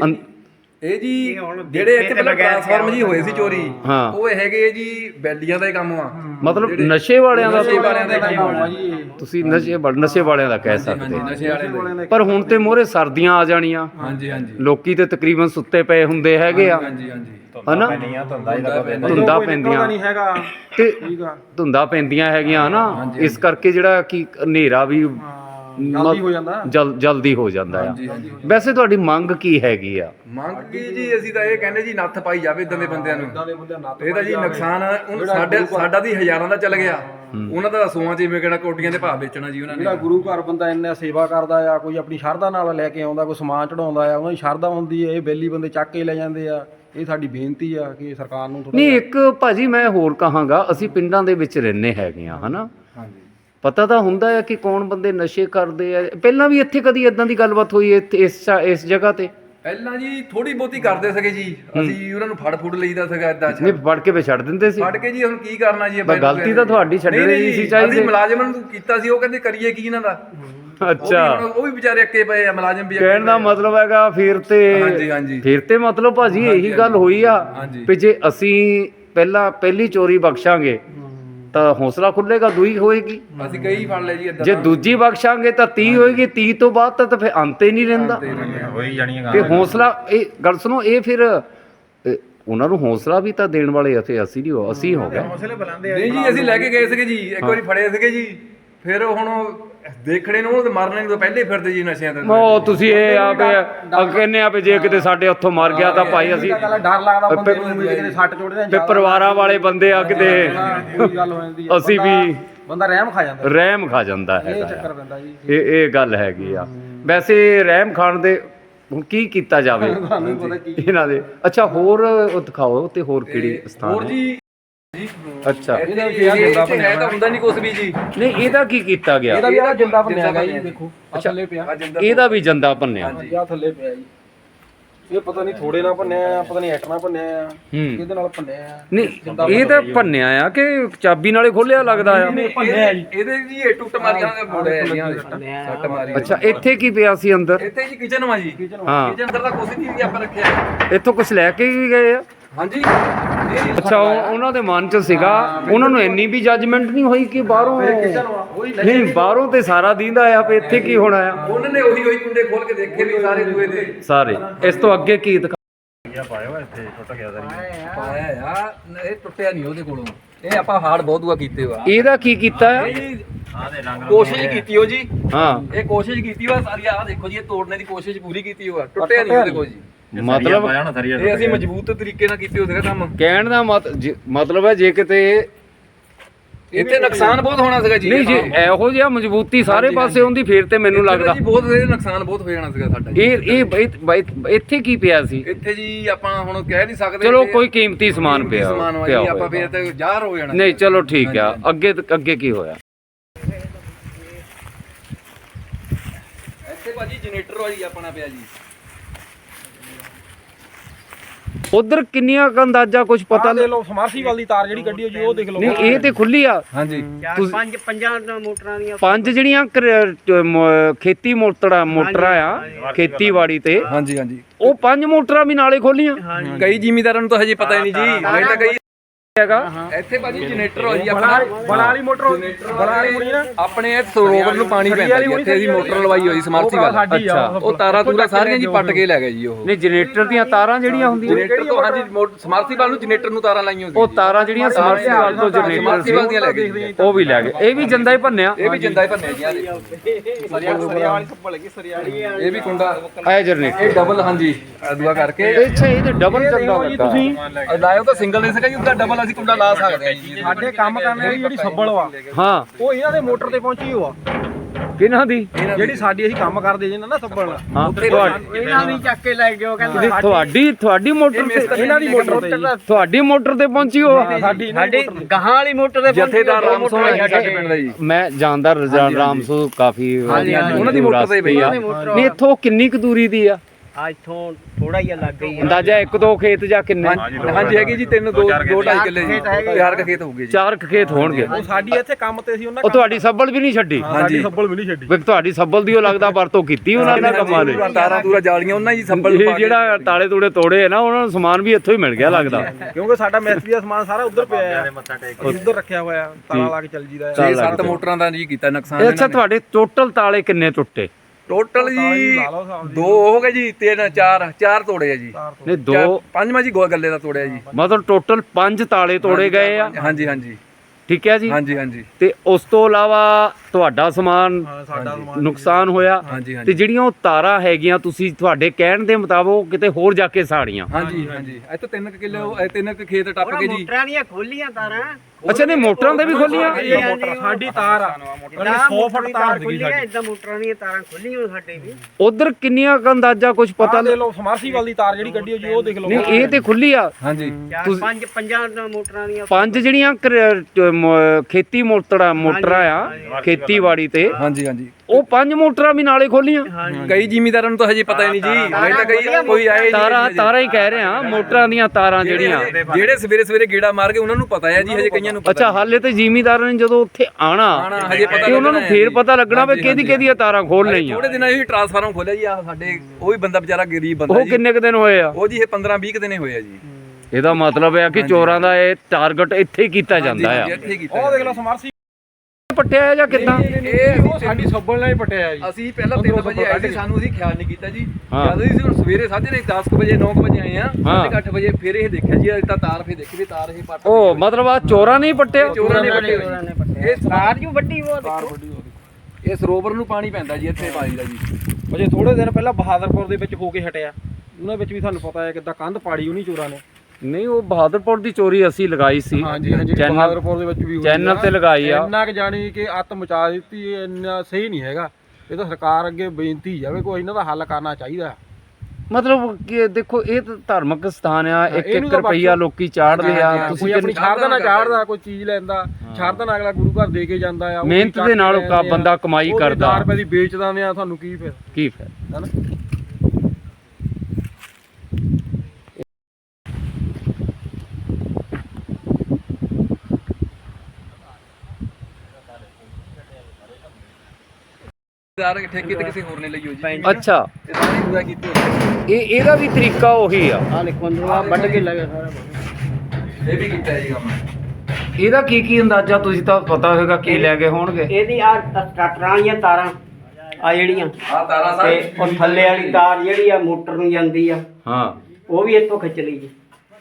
A: ਇਹ ਜੀ ਜਿਹੜੇ ਇੱਥੇ ਪਹਿਲਾਂ ਟ੍ਰਾਂਸਫਾਰਮ ਜੀ ਹੋਏ ਸੀ ਚੋਰੀ,
C: ਹਾਂ।
A: ਉਹ ਹੈਗੇ ਜੀ ਬੈਲੀਆਂ ਦਾ ਹੀ ਕੰਮ ਆ।
C: ਮਤਲਬ ਨਸ਼ੇ ਵਾਲਿਆਂ ਦਾ?
A: ਨਸ਼ੇ ਵਾਲਿਆਂ ਦਾ ਕੰਮ ਆ ਜੀ।
C: ਤੁਸੀਂ ਨਸ਼ੇ ਵਾਲਿਆਂ ਦਾ ਕਹਿ ਸਕਦੇ।
A: ਨਸ਼ੇ ਵਾਲੇ ਦੇ।
C: ਪਰ ਹੁਣ ਤੇ ਮੋਹਰੇ ਸਰਦੀਆਂ ਆ ਜਾਣੀਆਂ,
A: ਹਾਂਜੀ
C: ਲੋਕੀ ਤੇ ਤਕਰੀਬਨ ਸੁੱਤੇ ਪਏ ਹੁੰਦੇ ਹੈਗੇ ਆ,
A: ਹਾਂਜੀ
C: ਹਨਾ? ਧੁੰਦਾਂ ਪੈਂਦੀਆਂ
D: ਨਹੀਂ ਹੈਗਾ
C: ਤੇ
D: ਠੀਕ ਆ।
C: ਧੁੰਦਾਂ ਪੈਂਦੀਆਂ ਹੈਗੀਆਂ ਹਨਾ, ਇਸ ਕਰਕੇ ਜਿਹੜਾ ਕਿ ਹਨੇਰਾ ਵੀ
D: ਜਲਦੀ ਹੋ ਜਾਂਦਾ।
C: ਜਲਦੀ ਹੋ ਜਾਂਦਾ ਆ। ਵੈਸੇ ਤੁਹਾਡੀ ਮੰਗ ਕੀ ਹੈਗੀ ਆ?
A: ਮੰਗ ਕੀ ਜੀ, ਅਸੀਂ ਤਾਂ ਇਹ ਕਹਿੰਦੇ ਜੀ ਨੱਥ ਪਾਈ ਜਾਵੇ ਇਦਾਂ ਦੇ ਬੰਦਿਆਂ ਨੂੰ। ਇਹ ਤਾਂ ਜੀ ਨੁਕਸਾਨ ਸਾਡਾ ਦੀ ਹਜ਼ਾਰਾਂ ਦਾ ਚੱਲ ਗਿਆ, ਉਹਨਾਂ ਦਾ ਸੋਆਂ ਚ ਵਿਕਣਾ, ਕੋਟੀਆਂ ਦੇ ਭਾਅ ਵੇਚਣਾ ਜੀ ਉਹਨਾਂ ਨੇ।
D: ਜਿਹੜਾ ਗੁਰੂ ਘਰ ਬੰਦਾ ਇੰਨਾ ਸੇਵਾ ਕਰਦਾ ਆ, ਕੋਈ ਆਪਣੀ ਸ਼ਰਧਾ ਨਾਲ ਲੈ ਕੇ ਆਉਂਦਾ, ਕੋਈ ਸਮਾਨ ਚੜਾਉਂਦਾ ਆ, ਉਹਨਾਂ ਦੀ ਸ਼ਰਧਾ ਹੁੰਦੀ ਹੈ। ਇਹ ਬੇਲੀ ਬੰਦੇ ਚੱਕ ਕੇ ਲੈ ਜਾਂਦੇ ਆ। ਇਹ ਸਾਡੀ ਬੇਨਤੀ ਆ ਕਿ ਸਰਕਾਰ ਨੂੰ
C: ਨਹੀਂ, ਇੱਕ ਭਾਜੀ ਮੈਂ ਹੋਰ ਕਹਾਂਗਾ, ਅਸੀਂ ਪਿੰਡਾਂ ਦੇ ਵਿੱਚ ਰਹਿੰਦੇ ਹੈਗੇ ਆ, ਹਨਾ? ਪਤਾ ਤਾਂ ਹੁੰਦਾ ਹੈ ਕਿ ਕੌਣ ਬੰਦੇ ਨਸ਼ੇ ਕਰਦੇ ਆ। ਪਹਿਲਾਂ ਵੀ ਇੱਥੇ ਕਦੀ ਇਦਾਂ ਦੀ ਗੱਲਬਾਤ ਹੋਈ ਇਸ ਜਗ੍ਹਾ ਤੇ?
A: ਪਹਿਲਾਂ ਜੀ ਥੋੜੀ ਬਹੁਤੀ ਕਰਦੇ ਸੀਗੇ ਜੀ, ਅਸੀਂ ਉਹਨਾਂ ਨੂੰ ਫੜ ਲਈਦਾ ਸੀਗਾ ਇਦਾਂ।
C: ਨਹੀਂ, ਫੜ ਕੇ ਛੱਡ ਦਿੰਦੇ ਸੀ?
A: ਫੜ ਕੇ ਜੀ ਹੁਣ ਕੀ ਕਰਨਾ ਜੀ?
C: ਗਲਤੀ ਤਾਂ ਤੁਹਾਡੀ ਛੱਡਣੀ ਨਹੀਂ ਸੀ ਚਾਹੀਦੀ।
A: ਅਸੀਂ ਮੁਲਾਜ਼ਮਾਂ ਨੂੰ ਕੀਤਾ ਸੀ, ਉਹ ਕਹਿੰਦੇ ਕਰੀਏ ਕੀ ਇਹਨਾਂ ਦਾ।
C: ਅੱਛਾ,
A: ਉਹ ਵੀ ਵਿਚਾਰੇ ਅੱਕੇ ਪਏ ਆ, ਮੁਲਾਜ਼ਮ ਵੀ।
C: ਕਹਿਣ ਦਾ ਮਤਲਬ ਹੈਗਾ ਫਿਰ ਤੇ ਮਤਲਬ ਭਾਜੀ ਇਹੀ ਗੱਲ ਹੋਈ ਆ ਵੀ ਜੇ ਅਸੀਂ ਪਹਿਲੀ ਚੋਰੀ ਬਖਸ਼ਾਂਗੇ ਤਾਂ ਹੌਸਲਾ ਖੁੱਲੇਗਾ, ਦੂਈ ਹੋਏਗੀ।
A: ਅਸੀਂ ਕਈ ਫੜ ਲਏ ਜੀ।
C: ਜੇ ਦੂਜੀ ਬਖਸ਼ਾਂਗੇ ਤਾਂ 30 ਹੋਏਗੀ, 30 ਤੋਂ ਬਾਅਦ ਤਾਂ ਫਿਰ ਅੰਤ ਹੀ ਨਹੀਂ ਰਹਿੰਦਾ। ਤੇ ਹੌਸਲਾ, ਇਹ ਗੱਲ ਸੁਣੋ, ਇਹ ਫਿਰ ਉਹਨਾਂ ਨੂੰ ਹੌਸਲਾ ਵੀ ਤਾਂ ਦੇਣ ਵਾਲੇ ਅਸੀਂ ਨਹੀਂ ਹੋ, ਅਸੀਂ ਹੋ ਗਏ।
D: ਹੌਸਲੇ ਬੁਲੰਦੇ ਆ।
A: ਨਹੀਂ ਜੀ, ਅਸੀਂ ਲੈ ਕੇ ਗਏ ਸੀਗੇ ਜੀ, ਇੱਕ ਵਾਰੀ ਫੜੇ ਸੀਗੇ ਜੀ। ਫਿਰ ਹੁਣ ਦੇਖਣੇ ਨੂੰ ਉਹ ਮਰਨੇ ਨੂੰ ਤਾਂ ਪਹਿਲੇ ਹੀ ਫਿਰਦੇ ਜੀ ਨਸ਼ਿਆਂ ਤੇ।
C: ਉਹ ਤੁਸੀਂ ਇਹ ਆ ਵੀ ਕਹਿੰਦੇ ਆ ਵੀ ਜੇ ਕਿਤੇ ਸਾਡੇ ਉੱਥੋਂ ਮਰ ਗਿਆ ਤਾਂ ਭਾਈ ਅਸੀਂ
D: ਡਰ ਲੱਗਦਾ ਬੰਦੇ ਨੂੰ ਵੀ ਕਿਤੇ ਸੱਟ ਚੋਟ ਦੇ
C: ਵੀ ਪਰਿਵਾਰਾਂ ਵਾਲੇ ਬੰਦੇ ਆ ਕਿਤੇ
D: ਕੋਈ ਗੱਲ ਹੋ ਜਾਂਦੀ ਹੈ
C: ਅਸੀਂ ਵੀ
D: ਬੰਦਾ ਰਹਿਮ ਖਾ ਜਾਂਦਾ
C: ਰਹਿਮ ਖਾ ਜਾਂਦਾ
D: ਇਹ
C: ਹੈਗਾ
D: ਚੱਕਰ ਪੈਂਦਾ ਜੀ
C: ਇਹ ਗੱਲ ਹੈਗੀ ਆ। ਵੈਸੇ ਰਹਿਮ ਖਾਨ ਦੇ ਹੁਣ ਕੀ ਕੀਤਾ ਜਾਵੇ
D: ਤੁਹਾਨੂੰ ਵੀ ਪਤਾ ਕੀ
C: ਇਹਨਾਂ ਦੇ। ਅੱਛਾ ਹੋਰ ਉਹ ਦਿਖਾਓ ਤੇ ਹੋਰ ਕਿਹੜੀ ਸਥਾਨ
A: ਹੋਰ
C: ਹੈ?
A: ਜੀ
C: ਅੱਛਾ
A: ਇਹ ਤਾਂ ਹੁੰਦਾ ਨਹੀਂ ਕੁਝ ਵੀ ਜੀ।
C: ਨਹੀਂ ਇਹਦਾ ਕੀ ਕੀਤਾ ਗਿਆ?
D: ਇਹਦਾ ਵੀ ਆ ਜਿੰਦਾ ਭੰਨਿਆ ਹੈਗਾ ਜੀ ਦੇਖੋ ਆ ਥੱਲੇ ਪਿਆ
C: ਇਹਦਾ ਵੀ ਜੰਦਾ ਭੰਨਿਆ।
D: ਆ ਥੱਲੇ ਪਿਆ ਜੀ ਇਹ ਪਤਾ ਨਹੀਂ ਥੋੜੇ ਨਾਲ ਭੰਨਿਆ ਆ ਪਤਾ ਨਹੀਂ ਐਟ ਨਾਲ ਭੰਨਿਆ ਆ ਇਹਦੇ ਨਾਲ ਭੰਨਿਆ ਆ
C: ਨਹੀਂ ਇਹ ਤਾਂ ਭੰਨਿਆ ਆ ਕਿ ਚਾਬੀ ਨਾਲੇ ਖੋਲਿਆ ਲੱਗਦਾ ਆ।
D: ਭੰਨਿਆ ਜੀ
A: ਇਹਦੇ ਜੀ ਇਹ ਟੁੱਟ ਮਾਰੀਆਂ ਦੇ ਮੋੜੇ ਆ ਜੀ ਸੱਟ ਮਾਰੀ।
C: ਅੱਛਾ ਇੱਥੇ ਕੀ ਪਿਆ ਸੀ ਅੰਦਰ?
A: ਇੱਥੇ ਜੀ ਕਿਚਨ ਵਾ ਜੀ।
C: ਹਾਂ
A: ਕਿਚਨ ਅੰਦਰ ਤਾਂ ਕੁਝ ਨਹੀਂ ਵੀ ਆਪਾਂ ਰੱਖਿਆ।
C: ਇੱਥੋਂ ਕੁਝ ਲੈ ਕੇ ਵੀ ਗਏ ਆ?
A: ਹਾਂਜੀ
C: ਅੱਛਾ ਉਹਨਾਂ ਦੇ ਮਨ 'ਚ ਸੀਗਾ ਉਹਨਾਂ ਨੂੰ ਇੰਨੀ ਵੀ ਜੱਜਮੈਂਟ ਨਹੀਂ ਹੋਈ ਕਿ ਬਾਹਰੋਂ ਨਹੀਂ ਬਾਹਰੋਂ ਤੇ ਸਾਰਾ ਦੀਂਦਾ ਆ ਵੀ ਇੱਥੇ ਕੀ ਹੋਣਾ ਆ।
A: ਉਹਨਾਂ ਨੇ ਉਹੀ ਕੁੰਡੇ ਖੋਲ ਕੇ ਦੇਖੇ ਵੀ ਸਾਰੇ ਦੂਏ ਦੇ
C: ਸਾਰੇ ਇਸ ਤੋਂ ਅੱਗੇ ਕੀ ਦਿਖਾ
A: ਪਾਇਆ ਆ ਇਹ ਟੁੱਟਿਆ ਨਹੀਂ ਉਹਦੇ ਕੋਲੋਂ। ਇਹ ਆਪਾਂ ਹਾਰਡ ਬਹੁਤ ਦੂਆ ਕੀਤੇ ਵਾ।
C: ਇਹਦਾ ਕੀ ਕੀਤਾ ਆ?
A: ਕੋਸ਼ਿਸ਼ ਕੀਤੀ ਉਹ ਜੀ।
C: ਹਾਂ
A: ਇਹ ਕੋਸ਼ਿਸ਼ ਕੀਤੀ ਵਾ ਸਾਰੀ ਆ ਦੇਖੋ ਜੀ ਇਹ ਤੋੜਨੇ ਦੀ ਕੋਸ਼ਿਸ਼ ਪੂਰੀ ਕੀਤੀ ਹੋਆ ਟੁੱਟਿਆ ਨਹੀਂ ਉਹਦੇ ਕੋਲ ਜੀ।
C: ਮਤਲਬ
A: ਇਹ ਅਸੀਂ ਮਜ਼ਬੂਤ ਤਰੀਕੇ ਨਾਲ ਕੀਤੇ ਹੋਵੇਗਾ ਕੰਮ।
C: ਕਹਿਣ ਦਾ ਮਤਲਬ ਹੈ ਜੇ ਕਿਤੇ
A: ਇੱਥੇ ਨੁਕਸਾਨ ਬਹੁਤ ਹੋਣਾ ਸੀਗਾ ਜੀ।
C: ਨਹੀਂ ਜੀ ਇਹੋ ਜਿਹਾ ਮਜ਼ਬੂਤੀ ਸਾਰੇ ਪਾਸੇ ਹੁੰਦੀ ਫੇਰ ਤੇ ਮੈਨੂੰ ਲੱਗਦਾ
A: ਜੀ ਬਹੁਤ ਨੁਕਸਾਨ ਬਹੁਤ ਹੋ ਜਾਣਾ ਸੀਗਾ ਸਾਡਾ।
C: ਇਹ ਇੱਥੇ ਕੀ ਪਿਆ ਸੀ?
A: ਇੱਥੇ ਜੀ ਆਪਾਂ ਹੁਣ ਕਹਿ ਨਹੀਂ ਸਕਦੇ।
C: ਚਲੋ ਕੋਈ ਕੀਮਤੀ ਸਮਾਨ ਪਿਆ
A: ਸਮਾਨ ਵਾ ਜੀ ਆਪਾਂ ਫੇਰ ਤੇ ਜ਼ਾਹਰ ਹੋ ਜਾਣਾ।
C: ਨਹੀਂ ਚਲੋ ਠੀਕ ਆ। ਅੱਗੇ ਕੀ ਹੋਇਆ?
A: ਇੱਥੇ ਭਾਜੀ ਜਨਰੇਟਰ ਵਾ ਜੀ ਆਪਣਾ ਪਿਆ ਜੀ।
C: ਉਧਰ ਕਿੰਨੀਆਂ ਕ ਅੰਦਾਜ਼ਾ ਕੁਝ ਪਤਾ
D: ਦੇ ਲਓ ਸਮਰਸੀਬਲ ਦੀ ਤਾਰ ਜਿਹੜੀ ਕੱਢੀ ਹੋ ਜੀ ਉਹ ਦੇਖ ਲਓ।
C: ਨਹੀਂ ਇਹ ਤੇ ਖੁੱਲੀ ਆ।
A: ਹਾਂਜੀ
E: ਪੰਜਾਂ ਮੋਟਰਾਂ ਦੀਆਂ
C: 5 ਜਿਹੜੀਆਂ ਖੇਤੀ ਮੋਟਰਾਂ ਆ ਖੇਤੀਬਾੜੀ ਤੇ
A: ਹਾਂਜੀ ਹਾਂਜੀ
C: ਉਹ 5 ਮੋਟਰਾਂ ਵੀ ਨਾਲੇ ਖੋਲੀਆਂ।
A: ਕਈ ਜ਼ਿਮੀਂਦਾਰਾਂ ਨੂੰ ਤਾਂ ਹਜੇ ਪਤਾ ਹੀ ਨਹੀਂ ਜੀ। ਮੈਂ ਤਾਂ ਕਈ
C: ਹੈਗਾ
A: ਇੱਥੇ ਭਾਜੀ ਜਨਰੇਟਰ ਹੋ ਜੀ ਆਪਣਾ
D: ਬਣਾ ਵਾਲੀ ਮੋਟਰ ਬਣਾ ਵਾਲੀ ਹੋਣੀ ਨਾ
A: ਆਪਣੇ ਇਹ ਸਰੋਵਰ ਨੂੰ ਪਾਣੀ ਪੈਂਦਾ ਜੀ। ਇੱਥੇ ਅਸੀਂ ਮੋਟਰ ਲਵਾਈ ਹੋਈ ਸਮਰਸੀਬਲ।
C: ਅੱਛਾ
A: ਉਹ ਤਾਰਾਂ ਤੂਰਾ ਸਾਰੀਆਂ ਜੀ ਪੱਟ ਕੇ ਲੈ ਗਏ ਜੀ। ਉਹ
C: ਨਹੀਂ ਜਨਰੇਟਰ ਦੀਆਂ ਤਾਰਾਂ ਜਿਹੜੀਆਂ ਹੁੰਦੀਆਂ
A: ਜਨਰੇਟਰ ਤੋਂ ਹਾਂਜੀ ਸਮਰਸੀਬਲ ਨੂੰ ਜਨਰੇਟਰ ਨੂੰ ਤਾਰਾਂ ਲਾਈਆਂ
C: ਉਹ ਤਾਰਾਂ ਜਿਹੜੀਆਂ ਸਮਰਸੀਬਲ ਤੋਂ ਜਨਰੇਟਰ ਸੀ
A: ਦੀਆਂ ਲੈ ਗਏ
C: ਉਹ ਵੀ ਲੈ ਗਏ। ਇਹ ਵੀ ਜੰਦਾ ਹੀ ਭੰਨਿਆ।
A: ਇਹ ਵੀ ਜਿੰਦਾ ਹੀ ਭੰਨਿਆ ਜੀ। ਇਹ ਵੀ ਕੁੰਡਾ
C: ਇਹ ਜਨਰੇਟਰ
A: ਇਹ ਡਬਲ ਹਾਂਜੀ ਦੁਆ ਕਰਕੇ
C: ਅੱਛਾ ਇਹ ਤੇ ਡਬਲ ਜੰਦਾ ਲੱਗਾ।
A: ਤੁਸੀਂ ਲਾਇਓ ਤਾਂ ਸਿੰਗਲ ਨਹੀਂ ਸੀਗਾ ਜੀ। ਉਹਦਾ ਡਬਲ ਅਸੀਂ ਕੁੰਡਾ ਲਾ ਸਕਦੇ ਹਾਂ ਜੀ।
D: ਸਾਡੇ ਕੰਮ ਕਰਨੇ ਦੀ ਜਿਹੜੀ ਸੱਬਲ ਵਾ
C: ਹਾਂ
D: ਉਹ ਇਹਨਾਂ ਦੇ ਮੋਟਰ ਤੇ ਪਹੁੰਚੀ ਹੋਆ
C: ਕਿਹਨਾਂ ਦੀ?
D: ਜਿਹੜੀ ਸਾਡੀ ਅਸੀਂ ਕੰਮ ਕਰਦੇ ਜਿਹਨਾਂ ਨਾ ਸੱਬਲ
C: ਹਾਂ
E: ਇਹਨਾਂ ਦੀ ਚੱਕ ਕੇ ਲੈ ਗਿਓ ਕਹਿੰਦੇ
C: ਤੁਹਾਡੀ ਮੋਟਰ ਤੇ
D: ਇਹਨਾਂ ਦੀ ਮੋਟਰ ਤੇ
C: ਤੁਹਾਡੀ ਮੋਟਰ ਤੇ ਪਹੁੰਚੀ ਹੋ?
D: ਸਾਡੀ
E: ਗਾਹਾਂ ਵਾਲੀ ਮੋਟਰ ਦੇ
A: ਜਥੇਦਾਰ ਰਾਮਸੋਂ ਹੈ ਸਾਡੇ ਪਿੰਡ ਦਾ ਜੀ।
C: ਮੈਂ ਜਾਣਦਾ ਰਾਮਸੂ ਕਾਫੀ
A: ਉਹਨਾਂ ਦੀ ਮੋਟਰ ਤੇ ਪਈ ਆ।
C: ਨਹੀਂ ਇੱਥੋਂ ਕਿੰਨੀ ਕੁ ਦੂਰੀ ਦੀ ਆ?
E: ਆ ਇੱਥੋਂ ਥੋੜਾ ਜਿਹਾ ਲੱਗ ਗਈ
C: ਅੰਦਾਜ਼ਾ 1-2 ਖੇਤ ਜਾਂ ਕਿੰਨੇ?
A: ਹਾਂਜੀ ਹੈਗੀ ਜੀ 2-2.5 ਕਿੱਲੇ ਜੀ। 4 ਖੇਤ ਹੋਊਗੇ ਜੀ।
C: 4 ਖੇਤ ਹੋਣਗੇ।
D: ਉਹ ਸਾਡੀ ਇੱਥੇ ਕੰਮ ਤੇ ਸੀ ਉਹਨਾਂ
C: ਉਹ ਤੁਹਾਡੀ ਸੱਬਲ ਵੀ ਨਹੀਂ ਛੱਡੀ?
A: ਹਾਂਜੀ
D: ਸੱਬਲ ਵੀ ਨਹੀਂ ਛੱਡੀ।
C: ਵੀ ਤੁਹਾਡੀ ਸੱਬਲ ਦੀ ਉਹ ਲੱਗਦਾ ਵਰਤੋਂ ਕੀਤੀ ਉਹਨਾਂ ਨੇ ਕੰਮਾਂ ਦੇ।
A: ਤਾਰਾਂ ਤੂਰਾ ਜਾਲੀਆਂ ਉਹਨਾਂ ਜੀ ਸੱਬਲ
C: ਇਹ ਜਿਹੜਾ ਤਾਲੇ ਤੂੜੇ ਤੋੜੇ ਹੈ ਨਾ ਉਹਨਾਂ ਨੂੰ ਸਮਾਨ ਵੀ ਇੱਥੋਂ ਹੀ ਮਿਲ ਗਿਆ ਲੱਗਦਾ।
D: ਕਿਉਂਕਿ ਸਾਡਾ ਮਿਸਤਰੀ ਦਾ ਸਮਾਨ ਸਾਰਾ ਉੱਧਰ ਪਿਆ ਆ ਉੱਧਰ ਰੱਖਿਆ ਹੋਇਆ ਤਾਲਾ ਲਾ ਕੇ ਚੱਲ ਜੀਦਾ
A: 6-7 ਮੋਟਰਾਂ ਦਾ ਜੀ ਕੀਤਾ ਨੁਕਸਾਨ।
C: ਅੱਛਾ ਤੁਹਾਡੇ ਟੋਟਲ ਤਾਲੇ ਕਿੰਨੇ ਟੁੱਟੇ?
A: ਟੋਟਲ ਜੀ 2 ਹੋ ਗਏ ਜੀ 3-4 ਤੋੜੇ ਆ ਜੀ।
C: ਨਹੀਂ 2
A: ਪੰਜਵਾਂ ਜੀ ਗੱਲੇ ਦਾ ਤੋੜਿਆ ਜੀ।
C: ਮਤਲਬ ਟੋਟਲ 5 ਤਾਲੇ ਤੋੜੇ ਗਏ ਆ।
A: ਹਾਂਜੀ ਹਾਂਜੀ
C: ਠੀਕ ਹੈ ਜੀ।
A: ਹਾਂਜੀ ਹਾਂਜੀ
C: ਤੇ ਉਸ ਤੋਂ ਇਲਾਵਾ ਤੁਹਾਡਾ ਸਮਾਨ ਨੁਕਸਾਨ ਹੋਇਆ। ਤੇ ਜਿਹੜੀਆਂ ਉਹ ਤਾਰਾਂ ਹੈਗੀਆਂ ਤੁਸੀਂ ਤੁਹਾਡੇ ਕਹਿਣ ਦੇ ਮੁਤਾਬਕ ਕਿਤੇ ਹੋਰ ਜਾ ਕੇ ਸਾੜੀਆਂ।
A: ਹਾਂਜੀ ਹਾਂਜੀ ਇੱਥੇ 3 ਕਿੱਲੇ 3 ਖੇਤ ਟੱਪ ਕੇ ਜੀ।
E: ਮੋਟਰਾਂ ਦੀਆਂ ਖੋਲੀਆਂ ਤਾਰਾਂ।
C: ਅੱਛਾ ਨਹੀਂ ਮੋਟਰਾਂ ਦੇ ਵੀ ਖੋਲੀਆਂ?
D: ਸਾਡੀ ਤਾਰ ਆ 100 ਫੁੱਟ ਤਾਰ
E: ਖੁੱਲੀ ਆ ਇਦਾਂ ਮੋਟਰਾਂ ਦੀਆਂ ਤਾਰਾਂ ਖੋਲੀਆਂ ਸਾਡੇ ਵੀ।
C: ਉਧਰ ਕਿੰਨੀਆਂ ਕ ਅੰਦਾਜ਼ਾ ਕੁਝ ਪਤਾ?
D: ਦੇ ਲਓ ਸਮਰਸੀਬਲ ਦੀ ਤਾਰ ਜਿਹੜੀ ਕੱਢੀ ਹੋ ਜੀ ਉਹ ਦੇਖ ਲਓ।
C: ਨਹੀਂ ਇਹ ਤੇ ਖੁੱਲੀ ਆ।
A: ਹਾਂਜੀ
E: ਪੰਜਾਂ ਮੋਟਰਾਂ ਦੀਆਂ
C: 5 ਜਿਹੜੀਆਂ ਖੇਤੀ ਮੋਟਰਾਂ ਆ ਖੇਤੀਬਾੜੀ ਤੇ
A: ਹਾਂਜੀ ਹਾਂਜੀ
C: ਉਹ 5 ਮੋਟਰਾਂ ਵੀ ਨਾਲੇ ਖੋਲੀਆਂ।
A: ਕਈ ਜ਼ਿਮੀਂਦਾਰਾਂ ਨੂੰ ਤਾਂ ਹਜੇ ਪਤਾ ਹੀ ਨਹੀਂ ਜੀ। ਮੈਂ ਤਾਂ ਕਈ ਕੋਈ ਆਏ
C: ਤਾਰਾਂ ਹੀ ਕਹਿ ਰਹੇ ਆ ਮੋਟਰਾਂ ਦੀਆਂ ਤਾਰਾਂ ਜਿਹੜੀਆਂ
A: ਜਿਹੜੇ ਸਵੇਰੇ ਗੇੜਾ ਮਾਰ ਕੇ ਉਹਨਾਂ ਨੂੰ ਪਤਾ ਹੈ ਜੀ। ਹਜੇ ਕਈਆਂ ਨੂੰ
C: ਅੱਛਾ ਹਾਲੇ ਤੇ ਜ਼ਿਮੀਂਦਾਰਾਂ ਨੇ ਜਦੋਂ ਉੱਥੇ ਆਣਾ
A: ਹਜੇ ਪਤਾ
C: ਤੇ ਉਹਨਾਂ ਨੂੰ ਫੇਰ ਪਤਾ ਲੱਗਣਾ ਵੀ ਕਿਹਦੀ ਤਾਰਾਂ ਖੋਲ ਲਈਆਂ।
A: ਥੋੜੇ ਦਿਨਾਂ ਇਹ ਟਰਾਂਸਫਾਰਮ ਖੋਲਿਆ ਜੀ। ਆ ਸਾਡੇ ਉਹ ਵੀ ਬੰਦਾ ਵਿਚਾਰਾ ਗਰੀਬ ਬੰਦਾ
C: ਉਹ
A: ਜੀ।
C: ਕਿੰਨੇ ਕ ਦਿਨ ਹੋਏ ਆ?
A: ਉਹ ਜੀ ਇਹ 15-20 ਦਿਨੇ ਹੋਏ ਆ ਜੀ।
C: ਇਹਦਾ ਮਤਲਬ ਹੈ ਕਿ ਚੋਰਾਂ ਦਾ ਇਹ ਟਾਰਗੇਟ ਇੱਥੇ ਹੀ ਕੀਤਾ ਜਾਂਦਾ ਆ।
A: ਇੱਥੇ ਕੀਤਾ
D: ਉਹ ਦੇਖ ਲਓ ਸਮਰਸੀ
C: ਪੱਟਿਆ ਜਾਂ ਕਿੱਦਾਂ?
A: ਇਹ
D: ਸਾਡੀ ਸੱਬਲ ਨਾਲ ਹੀ ਪਟਿਆ ਜੀ।
A: ਅਸੀਂ ਪਹਿਲਾਂ 3 ਵਜੇ ਆਏ ਸੀ। ਸਾਨੂੰ ਅਸੀਂ ਖਿਆਲ ਨਹੀਂ ਕੀਤਾ ਜੀ।
C: ਹਾਂ।
A: ਜਦ ਅਸੀਂ ਹੁਣ ਸਵੇਰੇ 10:30 ਵਜੇ 9 ਵਜੇ ਆਏ ਆ 8:30 ਵਜੇ ਫਿਰ ਇਹ ਦੇਖਿਆ ਜੀ ਇਹ ਤਾਂ ਤਾਰ ਫੇ ਦੇਖੀ ਵੀ ਤਾਰ ਇਹ ਪੱਟ
C: ਉਹ ਮਤਲਬ ਆ ਚੋਰਾਂ ਨੇ ਹੀ ਪੱਟਿਆ?
A: ਚੋਰਾਂ ਨੇ ਪੱਟੇ ਇਹ
E: ਤਾਰ ਜੂ ਵੱਡੀ ਉਹ ਦੇਖੋ।
A: ਇਹ ਸਰੋਵਰ ਨੂੰ ਪਾਣੀ ਪੈਂਦਾ ਜੀ ਇੱਥੇ ਪਾਣੀ ਦਾ ਜੀ।
D: ਅਜੇ ਥੋੜੇ ਦਿਨ ਪਹਿਲਾਂ ਬਹਾਦਰਪੁਰ ਦੇ ਵਿੱਚ ਹੋ ਕੇ ਹਟਿਆ, ਉਹਨਾਂ ਵਿੱਚ ਵੀ ਤੁਹਾਨੂੰ ਪਤਾ ਹੈ ਕਿੱਦਾਂ ਕੰਧ ਪਾੜੀ ਉਹਨੀ ਚੋਰਾਂ ਨੇ।
C: ਨਹੀਂ ਉਹ ਬਹਾਦਰਪੁਰ ਦੀ ਚੋਰੀ ਅਸੀਂ ਲਗਾਈ ਸੀ
D: ਹਾਂਜੀ ਹਾਂਜੀ,
C: ਚੈਨਲ-
D: ਬਹਾਦਰਪੁਰ ਦੇ ਵਿੱਚ ਵੀ ਹੋਈ
C: ਚੈਨਲ
D: ਆ।
C: ਤੇ ਲਗਾਈ ਆ।
D: ਇੰਨਾ ਕੁ ਜਾਣੀ ਕਿ ਅੱਤ ਮਚਾ ਦਿੱਤੀ, ਇੰਨਾ ਸਹੀ ਨਹੀਂ ਹੈਗਾ। ਇਹ ਤਾਂ ਸਰਕਾਰ ਅੱਗੇ ਬੇਨਤੀ ਜਾਵੇ, ਕੋਈ ਇਹਨਾਂ ਦਾ ਹੱਲ ਕਰਨਾ ਚਾਹੀਦਾ।
C: ਮਤਲਬ ਕਿ ਦੇਖੋ ਇਹ ਤਾਂ ਧਾਰਮਿਕ ਸਥਾਨ ਆ, ਇੱਕ
D: ਇਹਨੂੰ
C: ਇੱਕ
D: ਤਾਂ
C: ਰੁਪਈਆ ਲੋਕੀ ਚਾੜਦੇ ਆ,
D: ਕੋਈ
C: ਤੁਸੀਂ
D: ਆਪਣੀ ਸ਼ਰਧਾ ਨਾਲ ਚਾੜਦਾ, ਕੋਈ ਚੀਜ਼ ਲੈਂਦਾ, ਸ਼ਰਧਾ ਨਾਲ ਅਗਲਾ ਗੁਰੂ ਘਰ ਦੇ ਕੇ ਜਾਂਦਾ ਆ। ਉਹ
C: ਮਿਹਨਤ
D: ਚੱਕ
C: ਦੇ
D: ਕੇ
C: ਨਾਲ
D: ਲੈ ਜਾਂਦੇ ਆ।
C: ਬੰਦਾ ਕਮਾਈ
D: ਉਹ
C: ਕਰਦਾ।
D: 10 ਰੁਪਏ ਦੀ ਵੇਚ ਦਿੰਦੇ ਆ, ਤੁਹਾਨੂੰ ਕੀ ਫਿਰ
C: ਕੀ ਫਾਇਦਾ।
D: ਹਨਾ।
A: ਠੇਕੇ ਤੇ ਕਿਸੇ ਹੋਰ ਨੇ ਲਈ ਹੋ ਜੀ।
C: ਅੱਛਾ
A: ਇਹ ਸਾਰੀ ਪੂਰਾ ਕੀਤੀ ਹੋਈ ਹੈ।
C: ਇਹਦਾ ਵੀ ਤਰੀਕਾ ਉਹੀ ਆ।
E: ਆ ਦੇਖੋ ਅੰਦਰੋਂ ਵੱਢ ਕੇ ਲੱਗਾ ਸਾਰਾ।
A: ਇਹ ਵੀ ਕੀਤਾ ਜੀ ਕੰਮ।
C: ਇਹਦਾ ਕੀ ਕੀ ਅੰਦਾਜ਼ਾ ਤੁਸੀਂ ਤਾਂ ਪਤਾ ਹੋਵੇਗਾ ਕੀ ਲੈ ਗਏ ਹੋਣਗੇ।
E: ਇਹਦੀ ਆ ਸਟਾਰਟਰਾਂ ਵਾਲੀਆਂ ਤਾਰਾਂ ਆ ਜਿਹੜੀਆਂ,
A: ਆ ਤਾਰਾਂ
E: ਤੇ
A: ਸਾਰੀ
E: ਉਹ ਥੱਲੇ ਵਾਲੀ ਤਾਰ ਜਿਹੜੀ ਆ ਮੋਟਰ ਨੂੰ ਜਾਂਦੀ ਆ,
C: ਹਾਂ
E: ਉਹ ਵੀ ਇੱਥੋਂ ਖਿੱਚ ਲਈ ਜੀ।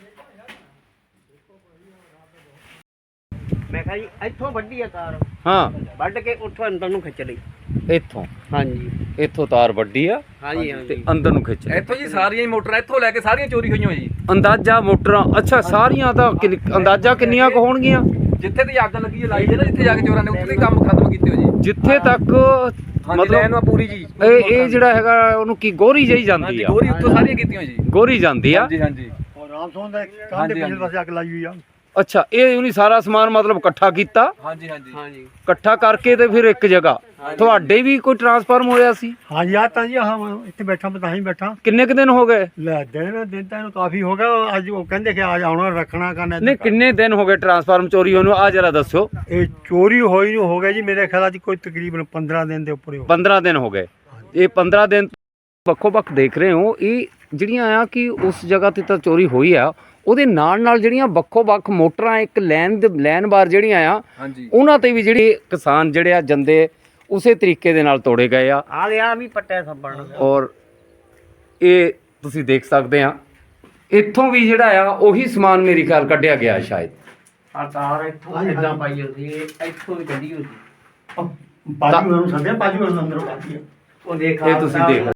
E: ਮੈਂ ਕਿਹਾ ਜੀ ਇੱਥੋਂ ਵੱਢੀ ਆ ਤਾਰ,
C: ਹਾਂ
E: ਵੱਢ ਕੇ ਉੱਥੋਂ ਅੰਦਰ ਨੂੰ ਖਿੱਚ ਲਈ।
C: ਇੱਥੋਂ
E: ਹਾਂਜੀ
C: ਇੱਥੋਂ ਤਾਰ ਵੱਡੀ ਆ
E: ਹਾਂਜੀ
C: ਤੇ
E: ਹਾਂਜੀ।
C: ਅੰਦਰ ਨੂੰ ਖਿੱਚ ਲਿਆ।
A: ਇੱਥੋਂ ਜੀ ਸਾਰੀਆਂ ਹੀ ਮੋਟਰਾਂ ਇੱਥੋਂ ਲੈ ਕੇ ਸਾਰੀਆਂ ਚੋਰੀ ਹੋਈਆਂ ਜੀ।
C: ਅੰਦਾਜ਼ਾ ਮੋਟਰਾਂ ਅੱਛਾ ਸਾਰੀਆਂ ਤਾਂ ਅੰਦਾਜ਼ਾ ਕਿੰਨੀਆਂ ਕੁ ਹੋਣਗੀਆਂ।
A: ਜਿੱਥੇ ਤੇ ਅੱਗ ਲੱਗੀ ਹੈ ਲਾਈ ਦੇ ਨਾ, ਜਿੱਥੇ ਜਾ ਕੇ ਚੋਰਾਂ ਨੇ ਉੱਥੇ ਹੀ ਕੰਮ ਖਤਮ ਕੀਤੇ ਹੋ ਜੀ।
C: ਜਿੱਥੇ ਤੱਕ
A: ਮਤਲਬ ਇਹਨੂੰ ਪੂਰੀ ਜੀ
C: ਇਹ ਜਿਹੜਾ ਹੈਗਾ ਉਹਨੂੰ ਕੀ ਗੋਰੀ ਜਿਹੀ ਜਾਂਦੀ
A: ਹਾਂਜੀ
C: ਆ।
A: ਗੋਰੀ ਉੱਤੋਂ ਸਾਰੀਆਂ ਕੀਤੀਆਂ ਜੀ।
C: ਗੋਰੀ ਜਾਂਦੀ ਆ।
A: ਹਾਂਜੀ ਹਾਂਜੀ।
D: ਰਾਮਸੋਨ ਦਾ
A: ਕੰਧ ਦੇ ਪਿਛਲੇ
D: ਪਾਸੇ ਅੱਗ ਲਾਈ ਹੋਈ ਆ।
C: ਅੱਛਾ ਇਹ ਉਹਨੇ ਸਾਰਾ ਸਮਾਨ ਮਤਲਬ ਇਕੱਠਾ ਕੀਤਾ,
A: ਹਾਂਜੀ ਹਾਂਜੀ
E: ਹਾਂਜੀ
C: ਇਕੱਠਾ ਕਰਕੇ ਤੇ ਫਿਰ ਇੱਕ ਜਗ੍ਹਾ ਤੁਹਾਡੇ ਵੀ ਕੋਈ ਟਰਾਂਸਫਾਰਮ ਹੋਇਆ ਸੀ।
D: ਹਾਂਜੀ ਆ ਤਾਂ ਜੀ ਹਾਂ ਇੱਥੇ ਬੈਠਾ, ਮੈਂ ਤਾਂ ਹੀ ਬੈਠਾ।
C: ਕਿੰਨੇ ਕੁ ਦਿਨ ਹੋ ਗਏ।
D: ਲੈ ਦਿਨ ਤਾਂ ਇਹਨੂੰ ਕਾਫੀ ਹੋ ਗਿਆ। ਅੱਜ ਉਹ ਕਹਿੰਦੇ ਕਿ ਅੱਜ ਆਉਣਾ ਰੱਖਣਾ ਕਰਨਾ।
C: ਨਹੀਂ ਕਿੰਨੇ ਦਿਨ ਹੋ ਗਏ ਟਰਾਂਸਫਾਰਮ ਚੋਰੀ ਹੋਣ ਨੂੰ, ਆ ਜਰਾ ਦੱਸਿਓ।
D: ਇਹ ਚੋਰੀ ਹੋਈ ਨੂੰ ਹੋ ਗਿਆ ਜੀ ਮੇਰੇ ਖਿਆਲ ਅੱਜ ਕੋਈ ਤਕਰੀਬਨ 15 ਦਿਨ ਦੇ ਉੱਪਰ ਹੀ ਹੋ
C: 15 ਦਿਨ ਹੋ ਗਏ। ਇਹ 15 ਦਿਨ ਵੱਖੋ ਵੱਖ ਦੇਖ ਰਹੇ ਹੋ। ਇਹ ਜਿਹੜੀਆਂ ਆ ਕਿ ਉਸ ਜਗ੍ਹਾ ਤੇ ਤਾਂ ਚੋਰੀ ਹੋਈ ਆ, ਉਹਦੇ ਨਾਲ ਨਾਲ ਜਿਹੜੀਆਂ ਵੱਖੋ ਵੱਖ ਮੋਟਰਾਂ ਇੱਕ ਲੈਨ ਬਾਰ ਜਿਹੜੀਆਂ ਆ
A: ਹਾਂਜੀ
C: ਉਹਨਾਂ ਤੇ ਵੀ ਜਿਹੜੇ ਕਿਸਾਨ ਜਿਹੜੇ ਆ ਜੰਦੇ ਉਸੇ ਤਰੀਕੇ ਦੇ ਨਾਲ ਤੋੜੇ ਗਏ ਆ।
E: ਆ ਲਿਆ ਵੀ ਪੱਟਿਆ ਸੱਬਣ।
C: ਔਰ ਇਹ ਤੁਸੀਂ ਦੇਖ ਸਕਦੇ ਆ ਇੱਥੋਂ ਵੀ ਜਿਹੜਾ ਆ ਉਹੀ ਸਮਾਨ ਮੇਰੀ ਖਿਆਲ ਕੱਢਿਆ ਗਿਆ ਸ਼ਾਇਦ।
E: ਆ ਤਾਰ ਇੱਥੋਂ ਇਦਾਂ ਪਾਈ ਹੁੰਦੀ, ਇੱਥੋਂ ਵੀ ਕੱਢੀ ਹੋਈ ਸੀ।
D: ਪਾਜੀ ਨੂੰ ਸੰਦੇ ਪਾਜੀ ਨੂੰ ਅੰਦਰੋਂ ਪਾਜੀ
E: ਉਹ ਦੇਖ
C: ਇਹ ਤੁਸੀਂ ਦੇਖ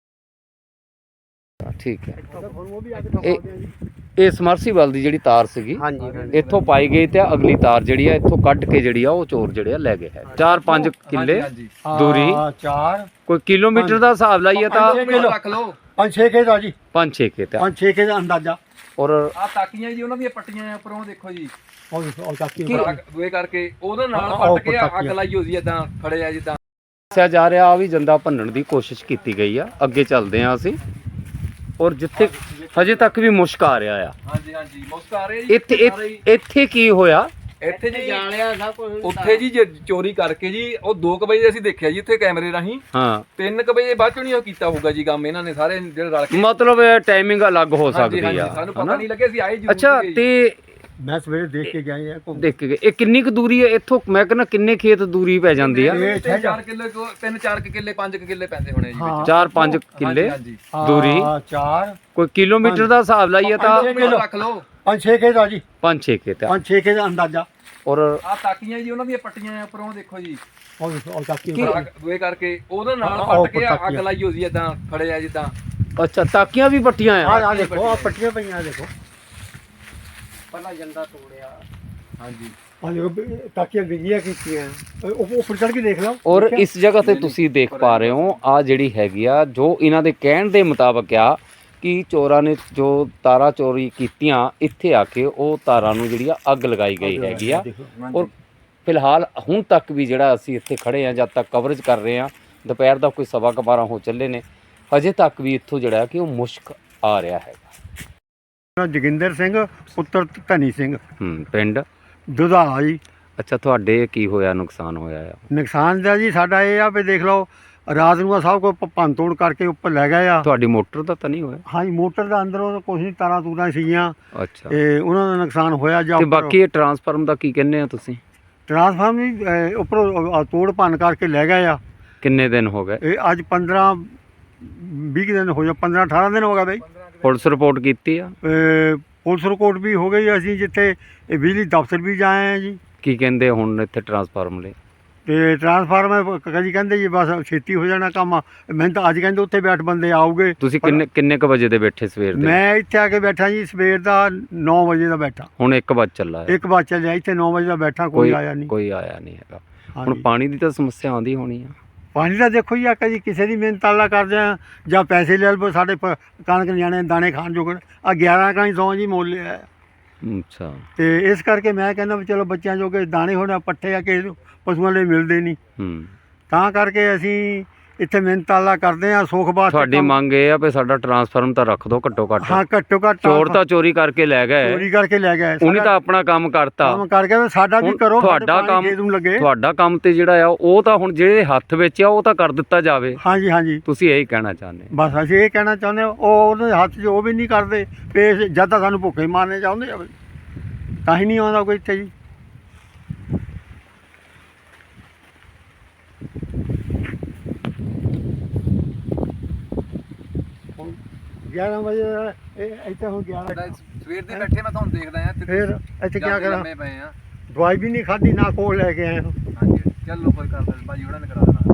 C: ਠੀਕ ਹੈ। ਇਹ ਸਮਰਸੀਬਲ ਦੀ ਜਿਹੜੀ ਤਾਰ ਸੀਗੀ
E: ਹਾਂਜੀ ਹਾਂਜੀ।
C: ਇੱਥੋਂ ਪਾਈ ਗਈ ਤੇ ਅਗਲੀ ਤਾਰ ਜਿਹੜੀ ਆ ਇੱਥੋਂ ਕੱਢ ਕੇ ਜਿਹੜੀ ਆ ਉਹ ਚੋਰ ਜਿਹੜੇ ਆ ਲੈ ਗਏ ਹੈ। 4-5 ਕਿੱਲੇ
A: ਹਾਂਜੀ
C: ਦੂਰੀ
D: 4
C: ਕੋਈ ਕਿਲੋਮੀਟਰ ਦਾ ਹਿਸਾਬ ਲਾਈਏ ਤਾਂ
A: ਰੱਖ ਲਓ।
D: 5-6 ਕੇ ਦਾ ਜੀ,
C: 5-6 ਕੇ ਤੇ
D: 5-6 ਕੇ ਦਾ ਅੰਦਾਜ਼ਾ।
C: ਔਰ
A: ਆ ਤਾਕੀਆਂ ਜੀ ਉਹਨਾਂ ਦੀਆਂ ਪੱਟੀਆਂ ਆ ਉੱਪਰੋਂ ਦੇਖੋ ਜੀ।
D: ਉਹ ਚਾਕੀ
A: ਦੋਏ ਕਰਕੇ ਉਹਦੇ ਨਾਲ
D: ਆਹ
A: ਪੱਟ ਕੇ ਅੱਗ ਲਾਈ ਹੋਈ ਇਦਾਂ ਖੜੇ ਆ ਜਿੱਦਾਂ।
C: ਦੱਸਿਆ ਜਾ ਰਿਹਾ ਆ ਵੀ ਜੰਦਾ ਭੰਨਣ ਦੀ ਕੋਸ਼ਿਸ਼ ਕੀਤੀ ਗਈ ਆ। ਅੱਗੇ ਚੱਲਦੇ ਆ ਅਸੀਂ ਔਰ ਜਿੱਥੇ ਹਜੇ ਤੱਕ ਵੀ ਮੁਸ਼ਕ ਆ ਰਿਹਾ ਆ।
A: ਹਾਂਜੀ ਹਾਂਜੀ ਮੁਸਕ ਆ ਰਹੇ ਜੀ।
C: ਇੱਥੇ ਕੀ ਹੋਇਆ।
A: ਇੱਥੇ ਜੀ
E: ਜਾਲਿਆ ਸਭ ਕੁਝ
A: ਉੱਥੇ ਜੀ ਜੇ ਚੋਰੀ ਕਰਕੇ ਜੀ ਉਹ 2 ਵਜੇ ਅਸੀਂ ਦੇਖਿਆ ਜੀ ਉੱਥੇ ਕੈਮਰੇ ਰਾਹੀਂ।
C: ਹਾਂ
A: 3 ਵਜੇ ਬਾਅਦ ਚੋਂ ਨਹੀਂ ਉਹ ਕੀਤਾ ਹੋਊਗਾ ਜੀ ਕੰਮ ਇਹਨਾਂ ਨੇ ਸਾਰੇ ਜਿਹੜੇ ਰਲ ਕੇ।
C: ਮਤਲਬ ਟਾਈਮਿੰਗ ਅਲੱਗ ਹੋ ਸਕਦੀ
A: ਹਾਂਜੀ,
C: ਆ
A: ਸਾਨੂੰ ਪਤਾ
C: ਹਨਾ?
A: ਨਹੀਂ ਲੱਗਿਆ ਸੀ ਆਏ ਜੀ।
C: ਅੱਛਾ ਤੇ
D: ਮੈਂ ਸਵੇਰੇ ਦੇਖ ਕੇ ਗਿਆ
C: ਦੇਖ ਕੇ ਗਏ। ਇਹ ਕਿੰਨੀ ਕੁ ਦੂਰੀ ਹੈ ਇੱਥੋਂ, ਮੈਂ ਕਹਿੰਦਾ ਕਿੰਨੇ ਖੇਤ ਦੂਰੀ ਪੈ ਜਾਂਦੀ ਆ।
A: 4 ਕਿੱਲੇ 3-4 ਕਿੱਲੇ 5 ਕਿੱਲੇ ਪੈਂਦੇ ਹੋਣੇ ਜੀ ਵਿੱਚ।
C: 4-5 ਕਿੱਲੇ
A: ਹਾਂਜੀ
C: ਦੂਰੀ
D: 4
C: ਕੋਈ ਕਿਲੋਮੀਟਰ ਦਾ ਹਿਸਾਬ ਲਾਈਏ ਤਾਂ
A: ਰੱਖ ਲਓ।
D: 5-6 ਕੇ ਦਾ ਜੀ,
C: 5-6 ਕੇ ਤੇ
D: 5-6 ਕੇ ਦਾ ਅੰਦਾਜ਼ਾ।
C: ਔਰ
A: ਆ ਤਾਕੀਆਂ ਜੀ ਉਹਨਾਂ ਦੀਆਂ ਪੱਟੀਆਂ ਆ ਉੱਪਰੋਂ ਦੇਖੋ ਜੀ।
D: ਉਹ ਚਾਕੀ
A: ਦੋਏ ਕਰਕੇ ਉਹਦੇ ਨਾਲ
D: ਆਹ
A: ਪੱਟ ਕੇ ਅੱਗ ਲਾਈ ਹੋਈ ਇਦਾਂ ਖੜੇ ਆ ਜਿੱਦਾਂ।
C: ਅੱਛਾ ਤਾਕੀਆਂ ਵੀ ਪੱਟੀਆਂ ਆ।
D: ਆ ਦੇਖੋ ਆ ਪੱਟੀਆਂ ਪਈਆਂ ਦੇਖੋ।
E: ਪਹਿਲਾਂ ਜੰਦਾ ਤੋੜਿਆ।
A: ਹਾਂਜੀ
D: ਆ ਦੇਖੋ ਤਾਕੀਆਂ ਵਿੰਗੀਆਂ ਕੀਤੀਆਂ। ਉਹ ਉੱਪਰ ਚੜ ਕੇ ਦੇਖ ਲਓ।
C: ਔਰ ਇਸ ਜਗ੍ਹਾ ਤੇ ਤੁਸੀਂ ਦੇਖ ਪਾ ਰਹੇ ਹੋ ਆ ਜਿਹੜੀ ਹੈਗੀ ਆ ਜੋ ਇਹਨਾਂ ਦੇ ਕਹਿਣ ਦੇ ਮੁਤਾਬਕ ਆ ਕਿ ਚੋਰਾਂ ਨੇ ਜੋ ਤਾਰਾਂ ਚੋਰੀ ਕੀਤੀਆਂ ਇੱਥੇ ਆ ਕੇ ਉਹ ਤਾਰਾਂ ਨੂੰ ਜਿਹੜੀ ਆ ਅੱਗ ਲਗਾਈ ਗਈ ਹੈਗੀ ਆ। ਔਰ ਫਿਲਹਾਲ ਹੁਣ ਤੱਕ ਵੀ ਜਿਹੜਾ ਅਸੀਂ ਇੱਥੇ ਖੜੇ ਆ ਜਦ ਤੱਕ ਕਵਰੇਜ ਕਰ ਰਹੇ ਆ, ਦੁਪਹਿਰ ਦਾ ਕੋਈ 12:15 ਹੋ ਚੱਲੇ ਨੇ, ਹਜੇ ਤੱਕ ਵੀ ਇੱਥੋਂ ਜਿਹੜਾ ਕਿ ਉਹ ਮੁਸ਼ਕ ਆ ਰਿਹਾ ਹੈਗਾ।
D: ਜੋਗਿੰਦਰ ਸਿੰਘ ਪੁੱਤਰ ਧਨੀ ਸਿੰਘ
C: ਪਿੰਡ
D: ਦੁਧਾਲਾ ਜੀ।
C: ਅੱਛਾ ਤੁਹਾਡੇ ਕੀ ਹੋਇਆ, ਨੁਕਸਾਨ ਹੋਇਆ ਆ?
D: ਨੁਕਸਾਨ ਦਾ ਜੀ ਸਾਡਾ ਇਹ ਆ ਵੀ ਦੇਖ ਲਓ ਰਾਤ ਨੂੰ ਆ ਸਭ ਕੁਝ ਭੰਨ ਤੋੜ ਕਰਕੇ ਉੱਪਰ ਲੈ ਗਏ ਆ।
C: ਤੁਹਾਡੀ ਮੋਟਰ ਦਾ ਤਾਂ ਨਹੀਂ ਹੋਇਆ?
D: ਹਾਂਜੀ ਮੋਟਰ ਦਾ ਅੰਦਰੋਂ ਕੁਛ ਨਹੀਂ, ਤਾਰਾਂ ਤੂਰਾਂ ਸੀਗੀਆਂ
C: ਅੱਛਾ
D: ਤੇ ਉਹਨਾਂ ਦਾ ਨੁਕਸਾਨ ਹੋਇਆ। ਜਾਂ
C: ਤੇ ਬਾਕੀ ਇਹ ਟਰਾਂਸਫਾਰਮ ਦਾ ਕੀ ਕਹਿੰਦੇ ਆ ਤੁਸੀਂ?
D: ਟਰਾਂਸਫਾਰਮ ਵੀ ਉੱਪਰੋਂ ਤੋੜ ਭੰਨ ਕਰਕੇ ਲੈ ਗਏ ਆ।
C: ਕਿੰਨੇ ਦਿਨ ਹੋ ਗਏ?
D: ਇਹ ਅੱਜ 15-20 ਦਿਨ ਹੋ ਜਾ, 15-18 ਦਿਨ ਹੋ ਗਏ ਬਈ।
C: ਪੁਲਿਸ ਰਿਪੋਰਟ ਕੀਤੀ ਆ?
D: ਪੁਲਿਸ ਰਿਪੋਰਟ ਵੀ ਹੋ ਗਈ। ਅਸੀਂ ਜਿੱਥੇ ਇਹ ਬਿਜਲੀ ਦਫ਼ਤਰ ਵੀ ਜਾਏ ਆ ਜੀ।
C: ਕੀ ਕਹਿੰਦੇ ਹੁਣ ਇੱਥੇ ਟਰਾਂਸਫਾਰਮ ਲਈ?
F: ਤੇ ਟਰਾਂਸਫਾਰਮਰ ਕਦੀ ਕਹਿੰਦੇ ਜੀ ਬਸ ਛੇਤੀ ਹੋ ਜਾਣਾ ਕੰਮ, ਮੈਨੂੰ ਤਾਂ ਅੱਜ ਕਹਿੰਦੇ ਉੱਥੇ ਬੈਠ ਬੰਦੇ ਆਉਗੇ।
C: ਤੁਸੀਂ ਕਿੰਨੇ ਕ ਵਜੇ ਦੇ ਬੈਠੇ ਸਵੇਰ ਦੇ?
F: ਮੈਂ ਇੱਥੇ ਆ ਕੇ ਬੈਠਾ ਜੀ ਸਵੇਰ ਦਾ 9 ਵਜੇ ਦਾ ਬੈਠਾ।
C: ਹੁਣ 1 ਵਜੇ ਚੱਲਾ ਹੈ।
F: 1 ਵਜੇ ਚੱਲਿਆ, ਇੱਥੇ 9 ਵਜੇ ਦਾ ਬੈਠਾ, ਕੋਈ ਆਇਆ ਨਹੀਂ।
C: ਕੋਈ ਆਇਆ ਨਹੀਂ ਹੈਗਾ। ਹੁਣ
F: ਹਾਂਜੀ।
C: ਪਾਣੀ ਦੀ ਤਾਂ ਸਮੱਸਿਆ ਆਉਂਦੀ ਹੋਣੀ ਆ।
F: ਪਾਣੀ ਦਾ ਦੇਖੋ ਜੀ, ਆ ਕਦੀ ਕਿਸੇ ਦੀ ਮਿਹਨਤ ਤਾਲਾ ਕਰਦੇ ਆ ਜਾਂ ਪੈਸੇ ਲੈ ਲਵੋ, ਸਾਡੇ ਕਣਕ ਨਿਆਣੇ ਦਾਣੇ ਖਾਣ ਜੋਗਣ ਆ 11 ਕਣੀ 100 ਜੀ ਮੁੱਲ ਹੈ।
C: ਅੱਛਾ।
F: ਤੇ ਇਸ ਕਰਕੇ ਮੈਂ ਕਹਿੰਦਾ ਵੀ ਚਲੋ ਬੱਚਿਆਂ ਜੋਗੇ ਦਾਣੇ ਹੁਣ ਪੱਠੇ ਆ ਕਿ ਪਸ਼ੂਆਂ ਲਈ ਮਿਲਦੇ ਨਹੀਂ, ਤਾਂ ਕਰਕੇ ਅਸੀਂ ਇੱਥੇ ਮਿਹਨਤ ਤਾਲਾ ਕਰਦੇ ਆ ਸੁੱਖ ਵਾਸਤੇ।
C: ਤੁਹਾਡੀ ਮੰਗ ਇਹ ਆ ਵੀ ਸਾਡਾ ਟਰਾਂਸਫਾਰਮ ਤਾਂ ਰੱਖ ਦਿਓ ਘੱਟੋ ਘੱਟ।
F: ਹਾਂ, ਘੱਟੋ ਘੱਟ।
C: ਚੋਰ ਤਾਂ ਚੋਰੀ ਕਰਕੇ ਲੈ ਗਏ,
F: ਚੋਰੀ ਕਰਕੇ ਲੈ ਗਏ,
C: ਉਹਨੇ ਤਾਂ ਆਪਣਾ ਕੰਮ ਕਰਤਾ।
F: ਕੰਮ ਕਰਕੇ ਸਾਡਾ ਵੀ ਕਰੋ,
C: ਤੁਹਾਡਾ ਕੰਮ ਤੇ ਜਿਹੜਾ ਆ ਉਹ ਤਾਂ ਹੁਣ ਜਿਹੜੇ ਹੱਥ ਵਿੱਚ ਆ ਉਹ ਤਾਂ ਕਰ ਦਿੱਤਾ ਜਾਵੇ।
F: ਹਾਂਜੀ ਹਾਂਜੀ,
C: ਤੁਸੀਂ ਇਹੀ ਕਹਿਣਾ ਚਾਹੁੰਦੇ?
F: ਬਸ ਅਸੀਂ ਇਹ ਕਹਿਣਾ ਚਾਹੁੰਦੇ ਹਾਂ, ਉਹ ਉਹਦੇ ਹੱਥ 'ਚ ਉਹ ਵੀ ਨਹੀਂ ਕਰਦੇ ਪੇਸ਼, ਜਦ ਤਾਂ ਸਾਨੂੰ ਭੁੱਖੇ ਮਾਰਨੇ ਚਾਹੁੰਦੇ ਆ, ਤਾਂ ਹੀ ਨਹੀਂ ਆਉਂਦਾ ਕੋਈ ਇੱਥੇ ਜੀ। ਹੁਣ 11 ਵਜੇ ਇੱਥੇ ਹੁਣ 11
A: ਸਵੇਰ ਦੇ ਬੈਠੇ ਮੈਂ ਤੁਹਾਨੂੰ ਦੇਖਦਾ ਆ।
F: ਫਿਰ ਇੱਥੇ ਕੀ ਕਰਾਂ,
A: ਪਏ ਆ।
F: ਦਵਾਈ ਵੀ ਨਹੀਂ ਖਾਧੀ, ਨਾ ਕੋਲ ਲੈ ਕੇ ਆਏ ਹਾਂ।
A: ਹਾਂਜੀ, ਚੱਲੋ ਕੋਈ ਕਰਦਾ ਭਾਜੀ ਉਹਨਾਂ ਨੇ ਕਰਾ ਦੇਣਾ।